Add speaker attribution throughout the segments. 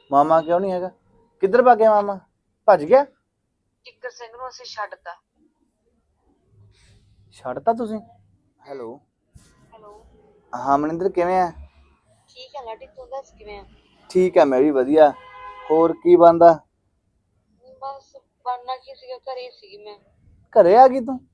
Speaker 1: ਮਾਮਾ ਕਿਉਂ ਨਹੀਂ ਹੈਗਾ? ਕਿੱਧਰ ਭੱਗ ਗਿਆ ਮਾਮਾ? ਭੱਜ ਗਿਆ?
Speaker 2: ਕਿੱਕਰ ਸਿੰਘ ਨੂੰ ਅਸੀਂ ਛੱਡਤਾ।
Speaker 1: ਛੱਡਤਾ ਤੁਸੀਂ? Hello
Speaker 2: hello.
Speaker 1: ਹਾਂ ਮਨਿੰਦਰ, ਕਿਵੇਂ ਆ?
Speaker 2: ਠੀਕ ਹੈ ਲਾਡੀ, ਤੂੰ ਦੱਸ ਕਿਵੇਂ ਆ?
Speaker 1: ਠੀਕ ਆ, ਮੈਂ ਵੀ ਵਧੀਆ। ਹੋਰ ਕੀ ਬਣਦਾ?
Speaker 2: ਬਸ ਬਣਨਾ ਕੀ ਸੀਗਾ, ਘਰੇ ਸੀਗੀ ਮੈਂ।
Speaker 1: ਘਰੇ ਆ ਗਈ ਤੂੰ?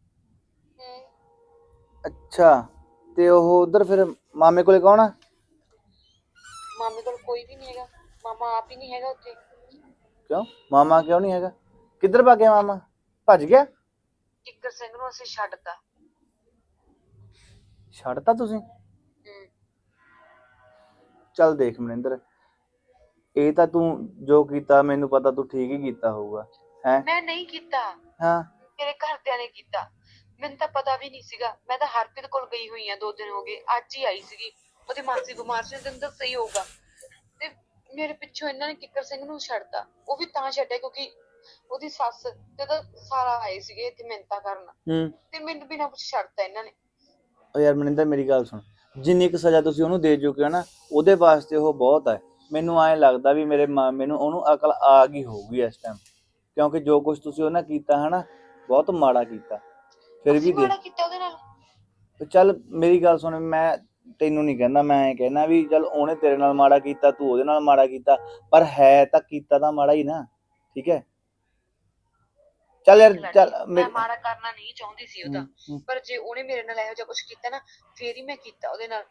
Speaker 1: ਅੱਛਾ, ਤੇ ਉਹ ਉਧਰ ਫਿਰ ਮਾਮੇ ਕੋਲੇ ਕੌਣ ਆ?
Speaker 2: ਮਾਮੇ ਕੋਲ ਕੋਈ ਵੀ ਨਹੀਂ ਹੈਗਾ, ਮਾਮਾ ਆਪ ਹੀ ਨਹੀਂ ਹੈਗਾ ਉੱਥੇ।
Speaker 1: ਕਿਉਂ ਮਾਮਾ ਕਿਉਂ ਨਹੀਂ ਹੈਗਾ? ਕਿੱਧਰ ਭੱਗ ਗਿਆ ਮਾਮਾ? ਭੱਜ ਗਿਆ?
Speaker 2: ਕਿੱਕਰ ਸਿੰਘ ਨੂੰ ਅਸੀਂ ਛੱਡਤਾ।
Speaker 1: ਛੱਡਤਾ ਤੁਸੀਂ? ਚੱਲ ਦੇਖ ਮਨਿੰਦਰ, ਇਹ ਤਾਂ ਤੂੰ ਜੋ ਕੀਤਾ ਮੈਨੂੰ ਪਤਾ ਤੂੰ ਠੀਕ ਹੀ ਕੀਤਾ ਹੋਊਗਾ। ਹੈ
Speaker 2: ਮੈਂ ਨਹੀਂ ਕੀਤਾ।
Speaker 1: ਹਾਂ,
Speaker 2: ਮੇਰੇ ਘਰਦਿਆਂ ਨੇ ਕੀਤਾ। ਮੈਨੂੰ ਤਾਂ ਪਤਾ ਵੀ ਨਹੀਂ ਸੀਗਾ। ਮੈਂ ਤਾਂ ਹਰਪ੍ਰੀਤ ਕੋਲ ਗਈ ਹੋਈ ਆ, 2 ਦਿਨ ਹੋ ਗਏ, ਅੱਜ ਹੀ ਆਈ ਸੀਗੀ। ਉਹਦੀ ਮਾਸੀ ਬਿਮਾਰ ਸੀ, ਤੈਨੂੰ ਦੱਸਿਆ ਹੀ ਹੋਊਗਾ। ਤੇ ਮੇਰੇ ਪਿੱਛੋਂ ਇਹਨਾਂ ਨੇ ਕਿੱਕਰ ਸਿੰਘ ਨੂੰ ਛੱਡਤਾ। ਉਹ ਵੀ ਤਾਂ ਛੱਡਿਆ ਕਿਉਂਕਿ ਉਹਦੀ ਸੱਸ ਤੇ ਉਹਦਾ ਸਾਲਾ ਆਏ ਸੀਗੇ ਇੱਥੇ ਮਿੰਨਤਾਂ ਕਰਨ, ਤੇ ਮੈਨੂੰ ਬਿਨਾਂ ਪੁੱਛ ਛੱਡਤਾ ਇਹਨਾਂ ਨੇ।
Speaker 1: ਉਹ ਯਾਰ ਮਨਿੰਦਰ ਮੇਰੀ ਗੱਲ ਸੁਣ, ਜਿੰਨੀ ਕੁ ਸਜ਼ਾ ਤੁਸੀਂ ਉਹਨੂੰ ਦੇ ਚੁੱਕੇ ਹੋ ਨਾ, ਉਹਦੇ ਵਾਸਤੇ ਉਹ ਬਹੁਤ ਹੈ। ਮੈਨੂੰ ਐਂ ਲੱਗਦਾ ਵੀ ਮੇਰੇ ਮਾਮੇ ਨੂੰ ਉਹਨੂੰ ਅਕਲ ਆ ਗਈ ਹੋਊਗੀ ਇਸ ਟਾਈਮ, ਕਿਉਂਕਿ ਜੋ ਕੁਝ ਤੁਸੀਂ ਉਹਨਾਂ ਕੀਤਾ ਹਨਾ, ਬਹੁਤ ਮਾੜਾ ਕੀਤਾ। ਫਿਰ ਵੀ
Speaker 2: ਮਾੜਾ ਕੀਤਾ ਉਹਦੇ ਨਾਲ।
Speaker 1: ਚੱਲ ਮੇਰੀ ਗੱਲ ਸੁਣ, ਮੈਂ ਤੈਨੂੰ ਨਹੀਂ ਕਹਿੰਦਾ, ਮੈਂ ਐਂ ਕਹਿਣਾ ਵੀ ਚੱਲ ਉਹਨੇ ਤੇਰੇ ਨਾਲ ਮਾੜਾ ਕੀਤਾ, ਤੂੰ ਉਹਦੇ ਨਾਲ ਮਾੜਾ ਕੀਤਾ, ਪਰ ਹੈ ਤਾਂ ਕੀਤਾ ਤਾਂ ਮਾੜਾ ਹੀ ਨਾ। ਠੀਕ ਹੈ, ਚੱਲ ਯਾਰ ਚੱਲ।
Speaker 2: ਮੈਂ ਮਾੜਾ ਕਰਨਾ ਨਹੀਂ ਚਾਹੁੰਦੀ ਸੀ ਉਹਦਾ, ਪਰ ਜੇ ਉਹਨੇ ਮੇਰੇ ਨਾਲ ਇਹੋ ਜਿਹਾ ਕੁਝ ਕੀਤਾ ਨਾ, ਫੇਰ ਹੀ ਮੈਂ ਕੀਤਾ ਉਹਦੇ ਨਾਲ।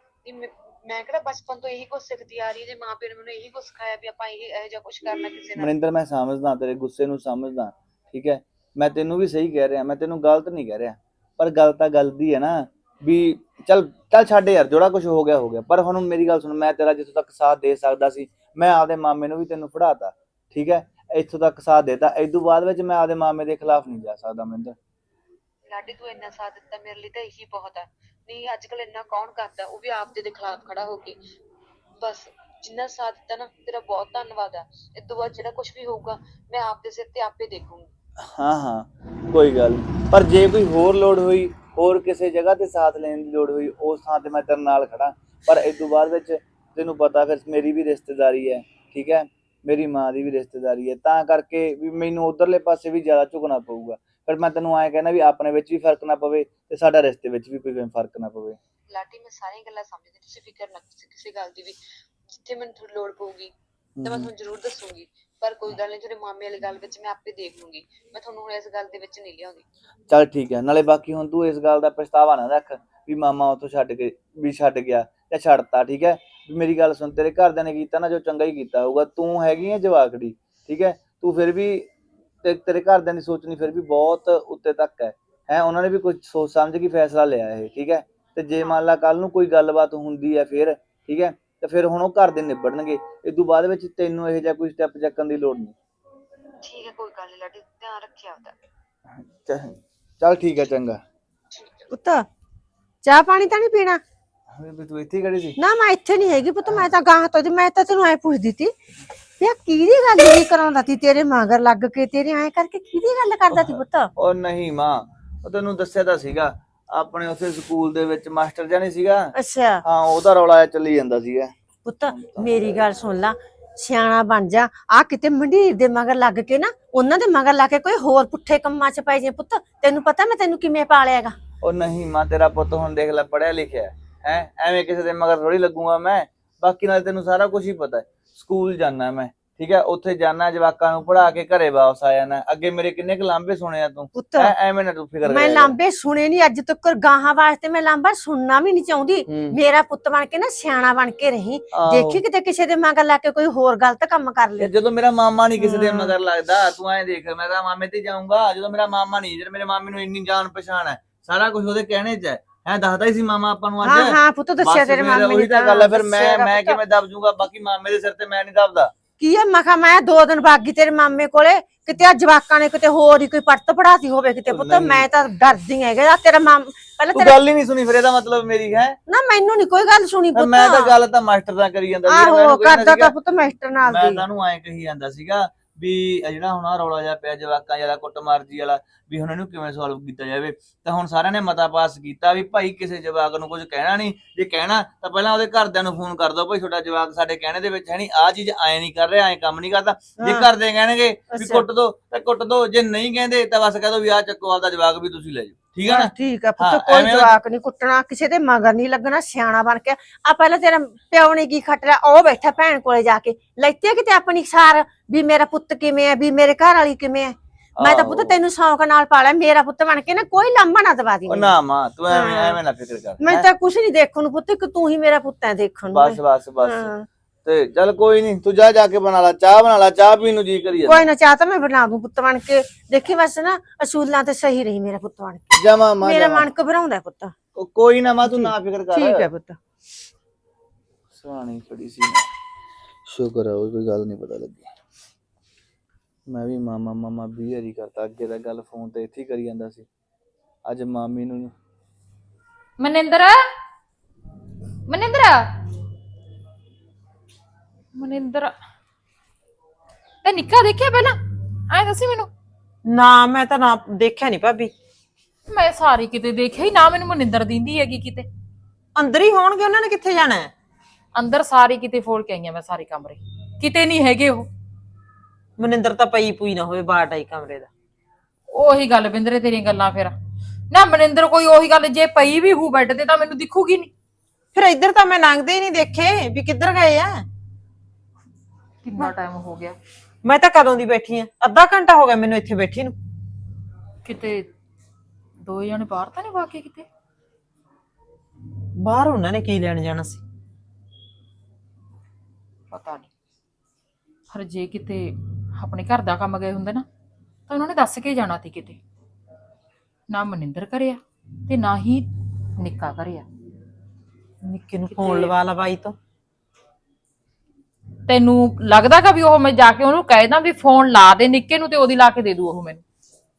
Speaker 2: ਮੈਂ ਕਿਹੜਾ ਬਚਪਨ ਤੋਂ ਇਹੀ ਕੁਝ ਸਿੱਖਦੀ ਆ ਰਹੀ, ਜੇ ਮਾਂ ਪਿਓ ਨੇ ਮੈਨੂੰ ਇਹੀ ਕੁਝ ਸਿਖਾਇਆ ਵੀ ਆਪਾਂ ਇਹੋ ਜਿਹਾ ਕੁਝ ਕਰਨਾ ਕਿਸੇ ਨਾਲ।
Speaker 1: ਮਨਿੰਦਰ ਮੈਂ ਸਮਝਦਾ ਤੇਰੇ ਗੁੱਸੇ ਨੂੰ, ਸਮਝਦਾ, ਠੀਕ ਹੈ। ਮੈਂ ਤੈਨੂੰ ਵੀ ਸਹੀ ਕਹਿ ਰਿਹਾ, ਮੈਂ ਤੈਨੂੰ ਗਲਤ ਨਹੀਂ ਕਹਿ ਰਿਹਾ, ਪਰ ਗੱਲ ਤਾਂ ਗਲਤੀ ਹੈ ਨਾ ਵੀ। ਚੱਲ ਚੱਲ ਛੱਡ ਯਾਰ, ਜਿਹੜਾ ਕੁਝ ਹੋ ਗਿਆ ਹੋ ਗਿਆ। ਪਰ ਹੁਣ ਮੇਰੀ ਗੱਲ ਸੁਣ, ਮੈਂ ਤੇਰਾ ਜਿੱਥੋਂ ਤੱਕ ਸਾਥ ਦੇ ਸਕਦਾ ਸੀ, ਮੈਂ ਆਪਦੇ ਮਾਮੇ ਨੂੰ ਵੀ ਤੈਨੂੰ ਫੜਾਤਾ, ਠੀਕ ਹੈ। ਇੱਥੋਂ ਤੱਕ ਸਾਥ ਦੇਤਾ, ਇਦੋਂ ਬਾਅਦ ਵਿੱਚ ਮੈਂ ਆਪਦੇ ਮਾਮੇ ਦੇ ਖਿਲਾਫ ਨਹੀਂ ਜਾ ਸਕਦਾ ਮਨਿੰਦਰ।
Speaker 2: ਲਾਡੀ ਤੂੰ ਇੰਨਾ ਸਾਥ ਦਿੱਤਾ ਮੇਰੇ ਲਈ ਤਾਂ ਇਹੀ ਬਹੁਤ ਆ। ਨਹੀਂ ਅੱਜ ਕੱਲ ਇੰਨਾ ਕੌਣ ਕਰਦਾ, ਉਹ ਵੀ ਆਪਦੇ ਦੇ ਖਿਲਾਫ ਖੜਾ ਹੋ ਕੇ। ਬਸ ਜਿੰਨਾ ਸਾਥ ਦਿੱਤਾ ਨਾ, ਤੇਰਾ ਬਹੁਤ ਧੰਨਵਾਦ ਆ। ਇਸ ਤੋਂ ਬਾਅਦ ਜਿਹੜਾ ਕੁਝ ਵੀ ਹੋਊਗਾ ਮੈਂ ਆਪਦੇ ਸਿਰ ਤੇ ਆਪੇ ਦੇਖੂੰਗੀ।
Speaker 1: ਹਾਂ ਹਾਂ, ਕੋਈ ਗੱਲ ਨਹੀਂ, ਪਰ ਜੇ ਕੋਈ ਹੋਰ ਲੋੜ ਹੋਈ, ਹੋਰ ਕਿਸੇ ਜਗ੍ਹਾ ਤੇ ਸਾਥ ਲੈਣ ਦੀ ਲੋੜ ਹੋਈ, ਉਸ ਥਾਂ ਤੇ ਮੈਂ ਤੇਰੇ ਨਾਲ ਖੜਾ। ਪਰ ਇਸ ਤੋਂ ਬਾਅਦ ਵਿੱਚ ਤੈਨੂੰ ਪਤਾ ਫਿਰ ਮੇਰੀ ਵੀ ਰਿਸ਼ਤੇਦਾਰੀ ਹੈ, ਠੀਕ ਹੈ, ਮੇਰੀ ਮਾਂ ਦੀ ਵੀ ਰਿਸ਼ਤੇਦਾਰੀ ਹੈ, ਤਾਂ ਕਰਕੇ ਵੀ ਮੈਨੂੰ ਉਧਰਲੇ ਪਾਸੇ ਵੀ ਜ਼ਿਆਦਾ ਝੁਕਣਾ ਪਊਗਾ। ਪਰ ਮੈਂ ਤੈਨੂੰ ਐਂ ਕਹਿੰਦਾ ਵੀ ਆਪਣੇ ਵਿੱਚ ਵੀ ਫਰਕ ਨਾ ਪਵੇ ਤੇ ਸਾਡਾ ਰਿਸ਼ਤੇ ਵਿੱਚ ਵੀ ਕੋਈ ਫਰਕ ਨਾ ਪਵੇ।
Speaker 2: ਲਾਡੀ ਮੈਂ ਸਾਰੀਆਂ ਗੱਲਾਂ ਸਮਝਦੀ, ਤੁਸੀਂ ਫਿਕਰ ਨਾ ਕਰੋ ਕਿਸੇ ਗੱਲ ਦੀ ਵੀ। ਜਿੱਥੇ ਮੈਨੂੰ ਥੋੜੀ ਲੋੜ ਪਊਗੀ ਤਾਂ ਮੈਂ ਤੁਹਾਨੂੰ ਜ਼ਰੂਰ ਦੱਸੂਗੀ, ਪਰ ਕੋਈ ਗੱਲ ਨਹੀਂ, ਤੁਹਾਡੇ ਮਾਮੇ ਵਾਲੀ ਗੱਲ ਵਿੱਚ ਮੈਂ ਆਪੇ ਦੇਖ ਲੂੰਗੀ। ਮੈਂ ਤੁਹਾਨੂੰ ਹੁਣ ਇਸ ਗੱਲ ਦੇ ਵਿੱਚ ਨਹੀਂ ਲਿਆਉਂਦੀ।
Speaker 1: ਚੱਲ ਠੀਕ ਹੈ, ਨਾਲੇ ਬਾਕੀ ਹੁਣ ਤੂੰ ਇਸ ਗੱਲ ਦਾ ਪਛਤਾਵਾ ਨਾ ਰੱਖ ਵੀ ਮਾਮਾ ਉੱਥੋਂ ਛੱਡ ਗਿਆ ਜਾਂ ਛੱਡਤਾ, ਠੀਕ ਹੈ। ਮੇਰੀ ਗੱਲ ਸੁਣ, ਤੇਰੇ ਘਰਦਿਆਂ ਨੇ ਕੀਤਾ ਨਾ ਜੋ ਚੰਗਾ ਹੀ ਕੀਤਾ ਹੋਊਗਾ। ਤੂੰ ਹੈਗੀ ਹੈ ਜਵਾਕੜੀ, ਠੀਕ ਹੈ, ਤੂੰ ਫਿਰ ਵੀ ਤੇਰੇ ਘਰਦਿਆਂ ਦੀ ਸੋਚਣੀ ਫਿਰ ਵੀ ਬਹੁਤ ਉੱਤੇ ਤੱਕ ਹੈ। ਉਹਨਾਂ ਨੇ ਵੀ ਕੁਝ ਸੋਚ ਸਮਝ ਕੇ ਫੈਸਲਾ ਲਿਆ ਇਹ, ਠੀਕ ਹੈ। ਤੇ ਜੇ ਮੰਨ ਲਾ ਕੱਲ ਨੂੰ ਕੋਈ ਗੱਲਬਾਤ ਹੁੰਦੀ ਹੈ ਫਿਰ, ਠੀਕ ਹੈ, ਤੇ ਫਿਰ ਹੁਣ ਉਹ ਘਰ ਦੇ ਨਿਬੜਨਗੇ। ਇਸ ਤੋਂ ਬਾਅਦ ਵਿੱਚ ਤੈਨੂੰ ਇਹੋ ਜਿਹਾ ਕੋਈ ਸਟੈਪ ਚੱਕਣ ਦੀ ਲੋੜ ਨਹੀਂ।
Speaker 2: ਠੀਕ ਹੈ, ਕੋਈ ਗੱਲ ਨਹੀਂ ਲਾਡੀ, ਧਿਆਨ ਰੱਖਿਆ ਆਪਦਾ।
Speaker 1: ਚੱਲ ਠੀਕ ਹੈ, ਚੰਗਾ।
Speaker 3: ਪੁੱਤ ਚਾਹ ਪਾਣੀ ਤਾਂ ਨਹੀਂ ਪੀਣਾ?
Speaker 1: ਤੂੰ ਇੱਥੇ ਹੀ ਖੜੀ ਸੀ?
Speaker 3: ਨਾ ਮੈਂ ਇੱਥੇ ਨਹੀਂ ਹੈਗੀ ਪੁੱਤ, ਮੈਂ ਤਾਂ ਗਾਹਾਂ ਤੋਂ ਮੈਂ ਤਾਂ ਤੈਨੂੰ ਐ ਪੁੱਛਦੀ ਤੀ ਵੀ ਆ ਕਿਹਦੀ ਗੱਲ ਨਹੀਂ ਕਰਾਉਂਦਾ ਤੀ ਤੇਰੇ ਮਗਰ ਲੱਗ ਕੇ, ਤੇਰੇ ਐ ਕਰਕੇ ਕਿਹਦੀ ਗੱਲ ਕਰਦਾ ਤੀ ਪੁੱਤ?
Speaker 1: ਉਹ ਨਹੀਂ ਮਾਂ, ਉਹ ਤੈਨੂੰ ਦੱਸਿਆ ਤਾਂ ਸੀਗਾ, ਆਪਣੇ ਉਸੇ ਸਕੂਲ ਦੇ ਵਿੱਚ ਮਾਸਟਰ ਜਾਨੀ ਸੀਗਾ।
Speaker 3: ਅੱਛਾ
Speaker 1: ਹਾਂ, ਉਹਦਾ ਰੌਲਾ ਚੱਲੀ ਜਾਂਦਾ ਸੀਗਾ।
Speaker 3: ਪੁੱਤ ਮੇਰੀ ਗੱਲ ਸੁਣ ਲਾ, ਸਿਆਣਾ ਬਣ ਜਾ। ਆ ਕਿਤੇ ਮੰਡੀਰ ਦੇ ਮਗਰ ਲੱਗ ਕੇ ਨਾ, ਉਹਨਾਂ ਦੇ ਮਗਰ ਲਾ ਕੇ ਕੋਈ ਹੋਰ ਪੁੱਠੇ ਕੰਮਾਂ 'ਚ ਪੈ ਜੇ ਪੁੱਤ। ਤੈਨੂੰ ਪਤਾ ਮੈਂ ਤੈਨੂੰ ਕਿਵੇਂ ਪਾਲਿਆਗਾ।
Speaker 1: ਉਹ ਨਹੀਂ ਮਾਂ, ਤੇਰਾ ਪੁੱਤ ਹੁਣ ਦੇਖ ਲੈ ਪੜਿਆ ਲਿਖਿਆ ਹੈ, ਐਵੇਂ ਕਿਸੇ ਦੇ ਮਗਰ ਥੋੜੀ ਲੱਗੂਗਾ ਮੈਂ। ਬਾਕੀ ਨਾਲ ਤੈਨੂੰ ਸਾਰਾ ਕੁਝ ਹੀ ਪਤਾ ਹੈ। ਸਕੂਲ ਜਾਣਾ ਮੈਂ, ਠੀਕ ਹੈ, ਉੱਥੇ ਜਾਣਾ, ਜਵਾਕਾਂ ਨੂੰ ਪੜ੍ਹਾ ਕੇ ਘਰੇ ਵਾਪਸ ਆ ਜਾਣਾ। ਅੱਗੇ ਮੇਰੇ ਕਿੰਨੇ ਕੁ ਲਾਂਭੇ ਸੁਣੇ ਆ ਤੂੰ, ਐਵੇਂ ਨਾ ਤੂੰ ਫਿਕਰ
Speaker 3: ਮੈਂ ਲਾਂਭੇ ਸੁਣੇ ਨਹੀਂ ਅੱਜ ਤੱਕ, ਗਾਹਾਂ ਵਾਸਤੇ ਮੈਂ ਲਾਂਭਾ ਸੁਣਨਾ ਵੀ ਨਹੀਂ ਚਾਹੁੰਦੀ। ਮੇਰਾ ਪੁੱਤ ਬਣ ਕੇ ਨਾ ਸਿਆਣਾ ਬਣ ਕੇ ਰਹੀ, ਦੇਖੀ ਕਿਤੇ ਕਿਸੇ ਦੇ ਮਗਰ ਲਾ ਕੇ ਕੋਈ ਹੋਰ ਗਲਤ ਕੰਮ ਕਰ ਲੈ।
Speaker 1: ਜਦੋਂ ਮੇਰਾ ਮਾਮਾ ਨਹੀਂ ਕਿਸੇ ਦੇ ਮਗਰ ਲੱਗਦਾ, ਤੂੰ ਐਂ ਦੇਖ, ਮੈਂ ਤਾਂ ਮਾਮੇ ਤੇ ਜਾਊਂਗਾ ਜਦੋਂ ਮੇਰਾ ਮਾਮਾ ਨਹੀਂ। ਜਦੋਂ ਮੇਰੇ ਮਾਮੇ ਨੂੰ ਇੰਨੀ ਜਾਣ ਪਛਾਣ ਹੈ, ਸਾਰਾ ਕੁਝ ਉਹਦੇ ਕਹਿਣੇ 'ਚ ਹੈ ਦੱਸਦਾ ਹੀ ਸੀ ਮਾਮਾ ਆਪਾਂ ਨੂੰ ਅੱਜ।
Speaker 3: ਹਾਂ ਹਾਂ ਪੁੱਤ ਦੱਸਿਆ ਤੇਰੇ ਮਾਮੇ ਨੇ।
Speaker 1: ਉਹੀ ਤਾਂ ਗੱਲ ਹੈ, ਫਿਰ ਮੈਂ ਕਿਵੇਂ ਦਬ ਜੂਗਾ? ਬਾਕੀ ਮਾਮੇ ਦੇ ਸਿਰ ਤੇ ਮੈਂ ਨਹੀਂ ਦਬਦਾ।
Speaker 3: ਕੀ ਹੈ ਮਖਾ, ਮੈਂ 2 ਦਿਨ ਬਾਗੀ ਤੇਰੇ ਮਾਮੇ ਕੋਲੇ, ਕਿਤੇ ਆ ਜਵਾਕਾਂ ਨੇ ਕਿਤੇ ਹੋਰ ਹੀ ਕੋਈ ਪੜਤ ਪੜਾਤੀ ਹੋਵੇ ਕਿਤੇ ਪੁੱਤ। ਮੈਂ ਤਾਂ ਡਰਦੀ ਹੈਗੇ ਆ ਤੇਰਾ ਮਾਮ ਪਹਿਲਾਂ
Speaker 1: ਤੂੰ ਗੱਲ ਹੀ ਨਹੀਂ ਸੁਣੀ, ਫਿਰ ਇਹਦਾ ਮਤਲਬ ਮੇਰੀ ਹੈ
Speaker 3: ਨਾ, ਮੈਨੂੰ ਨਹੀਂ ਕੋਈ ਗੱਲ ਸੁਣੀ ਪੁੱਤ।
Speaker 1: ਮੈਂ ਤਾਂ ਗੱਲ ਤਾਂ ਮਾਸਟਰ ਦਾ ਕਰੀ ਜਾਂਦਾ
Speaker 3: ਸੀ। ਆਹੋ ਕਰਦਾ ਤਾਂ ਪੁੱਤ ਮਾਸਟਰ ਨਾਲ ਦੀ।
Speaker 1: ਮੈਂ ਤੁਹਾਨੂੰ ਐਂ ਕਹੀ ਜਾਂਦਾ ਸੀਗਾ ਵੀ ਜਿਹੜਾ ਹੁਣ ਆ ਰੌਲਾ ਜਿਹਾ ਪਿਆ ਜਵਾਕਾਂ ਵਾਲਾ ਕੁੱਟਮਾਰਜੀ ਵਾਲਾ, ਵੀ ਹੁਣ ਇਹਨੂੰ ਕਿਵੇਂ ਸੋਲਵ ਕੀਤਾ ਜਾਵੇ। ਤਾਂ ਹੁਣ ਸਾਰਿਆਂ ਨੇ ਮਤਾ ਪਾਸ ਕੀਤਾ ਵੀ ਭਾਈ ਕਿਸੇ ਜਵਾਕ ਨੂੰ ਕੁਝ ਕਹਿਣਾ ਨਹੀਂ, ਜੇ ਕਹਿਣਾ ਤਾਂ ਪਹਿਲਾਂ ਉਹਦੇ ਘਰਦਿਆਂ ਨੂੰ ਫੋਨ ਕਰ ਦਿਓ, ਭਾਈ ਤੁਹਾਡਾ ਜਵਾਕ ਸਾਡੇ ਕਹਿਣੇ ਦੇ ਵਿੱਚ ਹੈ ਨਹੀਂ, ਆਹ ਚੀਜ਼ ਐਂ ਨਹੀਂ ਕਰ ਰਿਹਾ, ਐਂ ਕੰਮ ਨਹੀਂ ਕਰਦਾ। ਜੇ ਘਰਦੇ ਕਹਿਣਗੇ ਵੀ ਕੁੱਟ ਦੋ ਤਾਂ ਕੁੱਟ ਦੋ, ਜੇ ਨਹੀਂ ਕਹਿੰਦੇ ਤਾਂ ਬਸ ਕਹਿ ਦੋ ਵੀ ਆਹ ਚੱਕੋ ਆਪਦਾ ਜਵਾਕ ਵੀ ਤੁਸੀਂ ਲੈ ਜਾਓ, ਠੀਕ ਹੈ ਨਾ।
Speaker 3: ਠੀਕ ਆ ਪੁੱਤ, ਕੋਈ ਜਵਾਕ ਨਹੀਂ ਕੁੱਟਣਾ, ਕਿਸੇ ਦੇ ਮਗਰ ਨਹੀਂ ਲੱਗਣਾ, ਸਿਆਣਾ ਬਣ ਕੇ ਆ। ਪਹਿਲਾਂ ਤੇਰਾ ਪਿਓ ਨੇ ਕੀ ਖੱਟ ਲਿਆ, ਉਹ ਬੈਠਾ ਭੈਣ ਕੋਲੇ ਜਾ ਕੇ ਲੈਤੇ ਕਿਤੇ ਆਪਣੀ ਸਾਰ ਵੀ ਮੇਰਾ ਪੁੱਤ ਕਿਵੇਂ ਹੈ, ਵੀ ਮੇਰੇ ਘਰ ਵਾਲੀ ਕਿਵੇਂ ਹੈ। ਮੈਂ ਤਾਂ ਪੁੱਤ ਤੈਨੂੰ ਸ਼ੌਂਕ ਨਾਲ ਪਾਲਿਆ, ਮੇਰਾ ਪੁੱਤ ਬਣ ਕੇ ਨਾ ਕੋਈ ਲਾਂਭਾ ਨਾ ਦਵਾ ਦੀ।
Speaker 1: ਨਾ ਮਾਂ ਤੂੰ ਐਵੇਂ ਨਾ ਫਿਕਰ ਕਰ,
Speaker 3: ਮੈਂ ਤਾਂ ਕੁਛ ਨਹੀਂ ਦੇਖਣ ਨੂੰ ਪੁੱਤ, ਇੱਕ ਤੂੰ ਹੀ ਮੇਰਾ ਪੁੱਤ ਹੈ ਦੇਖਣ ਨੂੰ।
Speaker 1: ਬਸ ਬਸ ਬਸ ਤੇ ਚੱਲ ਕੋਈ ਨਹੀਂ, ਤੂੰ ਜਾ ਕੇ ਬਣਾ ਲਾ ਚਾਹ, ਬਣਾ ਲਾ ਚਾਹ ਪੀਣ ਨੂੰ ਜੀ ਕਰੀ ਜਾਂਦਾ।
Speaker 3: ਕੋਈ ਨਾ, ਚਾਹ ਤਾਂ ਮੈਂ ਬਣਾ ਦੂੰ ਪੁੱਤ ਬਣ ਕੇ, ਦੇਖੀ ਬਸ ਨਾ ਅਸੂਲਾਂ ਤੇ ਸਹੀ ਰਹੀ ਮੇਰਾ ਪੁੱਤ ਬਣ ਕੇ।
Speaker 1: ਜਮਾ ਮਾਂ
Speaker 3: ਮੇਰਾ ਮਨ ਘਬਰਾਉਂਦਾ ਪੁੱਤ।
Speaker 1: ਕੋਈ ਨਾ ਮਾਂ ਤੂੰ ਨਾ ਫਿਕਰ ਕਰ।
Speaker 3: ਠੀਕ ਹੈ ਪੁੱਤ।
Speaker 1: ਸੁਹਾਣੀ ਖੜੀ ਸੀ, ਸ਼ੁਕਰ ਹੈ ਕੋਈ ਗੱਲ ਨਹੀਂ ਪਤਾ ਲੱਗੀ। ਮੈਂ ਵੀ ਮਾਮਾ 20 ਵਾਰੀ ਕਰਤਾ, ਅੱਗੇ ਤਾਂ ਗੱਲ ਫੋਨ ਤੇ ਇੱਥੇ ਹੀ ਕਰੀ ਜਾਂਦਾ ਸੀ, ਅੱਜ ਮਾਮੀ ਨੂੰ।
Speaker 4: ਮਨਿੰਦਰ ਤੇ ਨਿੱਕਾ ਦੇਖਿਆ ਪਹਿਲਾਂ, ਐ ਦੱਸੀ ਮੈਨੂੰ।
Speaker 5: ਨਾ ਮੈਂ ਤਾਂ ਨਾ ਦੇਖਿਆ ਨਹੀਂ ਭਾਬੀ,
Speaker 4: ਮੈਂ ਸਾਰੀ ਕਿਤੇ ਦੇਖਿਆ ਹੀ ਨਾ, ਮੈਨੂੰ ਮਨਿੰਦਰ ਦਿੰਦੀ ਹੈਗੀ ਕਿਤੇ।
Speaker 5: ਅੰਦਰ ਹੀ ਹੋਣਗੇ, ਉਹਨਾਂ ਨੇ ਕਿੱਥੇ ਜਾਣਾ ਹੈ?
Speaker 4: ਅੰਦਰ ਸਾਰੀ ਕਿਤੇ ਫੋਲ ਕੇ ਆਈਆਂ ਮੈਂ, ਸਾਰੇ ਕਮਰੇ ਕਿਤੇ ਨਹੀਂ ਹੈਗੇ ਉਹ।
Speaker 5: ਮਨਿੰਦਰ ਤਾਂ ਪਈ ਪੂਈ ਨਾ ਹੋਵੇ ਬਾਹਰ ਆਈ ਕਮਰੇ ਦਾ।
Speaker 4: ਉਹੀ ਗੱਲ ਬਿੰਦਰੇ ਤੇਰੀਆਂ ਗੱਲਾਂ, ਫਿਰ ਨਾ ਮਨਿੰਦਰ ਕੋਈ ਉਹੀ ਗੱਲ, ਜੇ ਪਈ ਵੀ ਹੂ ਬੈੱਡ ਤੇ ਤਾਂ ਮੈਨੂੰ ਦਿਖੂਗੀ ਨਹੀਂ।
Speaker 5: ਫਿਰ ਇੱਧਰ ਤਾਂ ਮੈਂ ਲੰਘਦੇ ਹੀ ਨਹੀਂ ਦੇਖੇ ਵੀ ਕਿੱਧਰ ਗਏ ਆ।
Speaker 4: ਕਿੰਨਾ ਟਾਈਮ ਹੋ ਗਿਆ,
Speaker 5: ਮੈਂ ਤਾਂ ਕਦੋਂ ਦੀ ਬੈਠੀ ਆ, ਅੱਧਾ ਘੰਟਾ ਹੋ ਗਿਆ ਮੈਨੂੰ ਇੱਥੇ ਬੈਠੀ ਨੂੰ।
Speaker 4: ਕਿਤੇ ਦੋ ਜਣੇ ਬਾਹਰ ਤਾਂ ਨਹੀਂ ਵਾਕੇ ਕਿਤੇ?
Speaker 5: ਬਾਹਰ ਉਹਨਾਂ ਨੇ ਕੀ ਲੈਣ ਜਾਣਾ ਸੀ?
Speaker 4: ਪਤਾ ਨਹੀਂ, ਹਰ ਜੇ ਕਿਤੇ ਆਪਣੇ ਘਰ ਦਾ ਕੰਮ ਗਏ ਹੁੰਦੇ ਨਾ ਤਾਂ ਉਹਨਾਂ ਨੇ ਦੱਸ ਕੇ ਜਾਣਾ ਸੀ ਕਿਤੇ। ਨਾ ਮਨਿੰਦਰ ਕਰਿਆ ਤੇ ਨਾ ਹੀ ਨਿੱਕਾ ਕਰਿਆ।
Speaker 5: ਨਿੱਕੇ ਨੂੰ ਫੋਨ ਲਵਾ ਲਾ ਬਾਈ ਤੋਂ।
Speaker 4: ਤੈਨੂੰ ਲੱਗਦਾ ਕਿ ਵੀ ਉਹ ਮੈਂ ਜਾ ਕੇ ਉਹਨੂੰ ਕਹਿ ਦਾਂ ਵੀ ਫੋਨ ਲਾ ਦੇ ਨਿੱਕੇ ਨੂੰ, ਤੇ ਉਹਦੀ ਲਾ ਕੇ ਦੇ ਦੂ ਉਹ ਮੈਨੂੰ?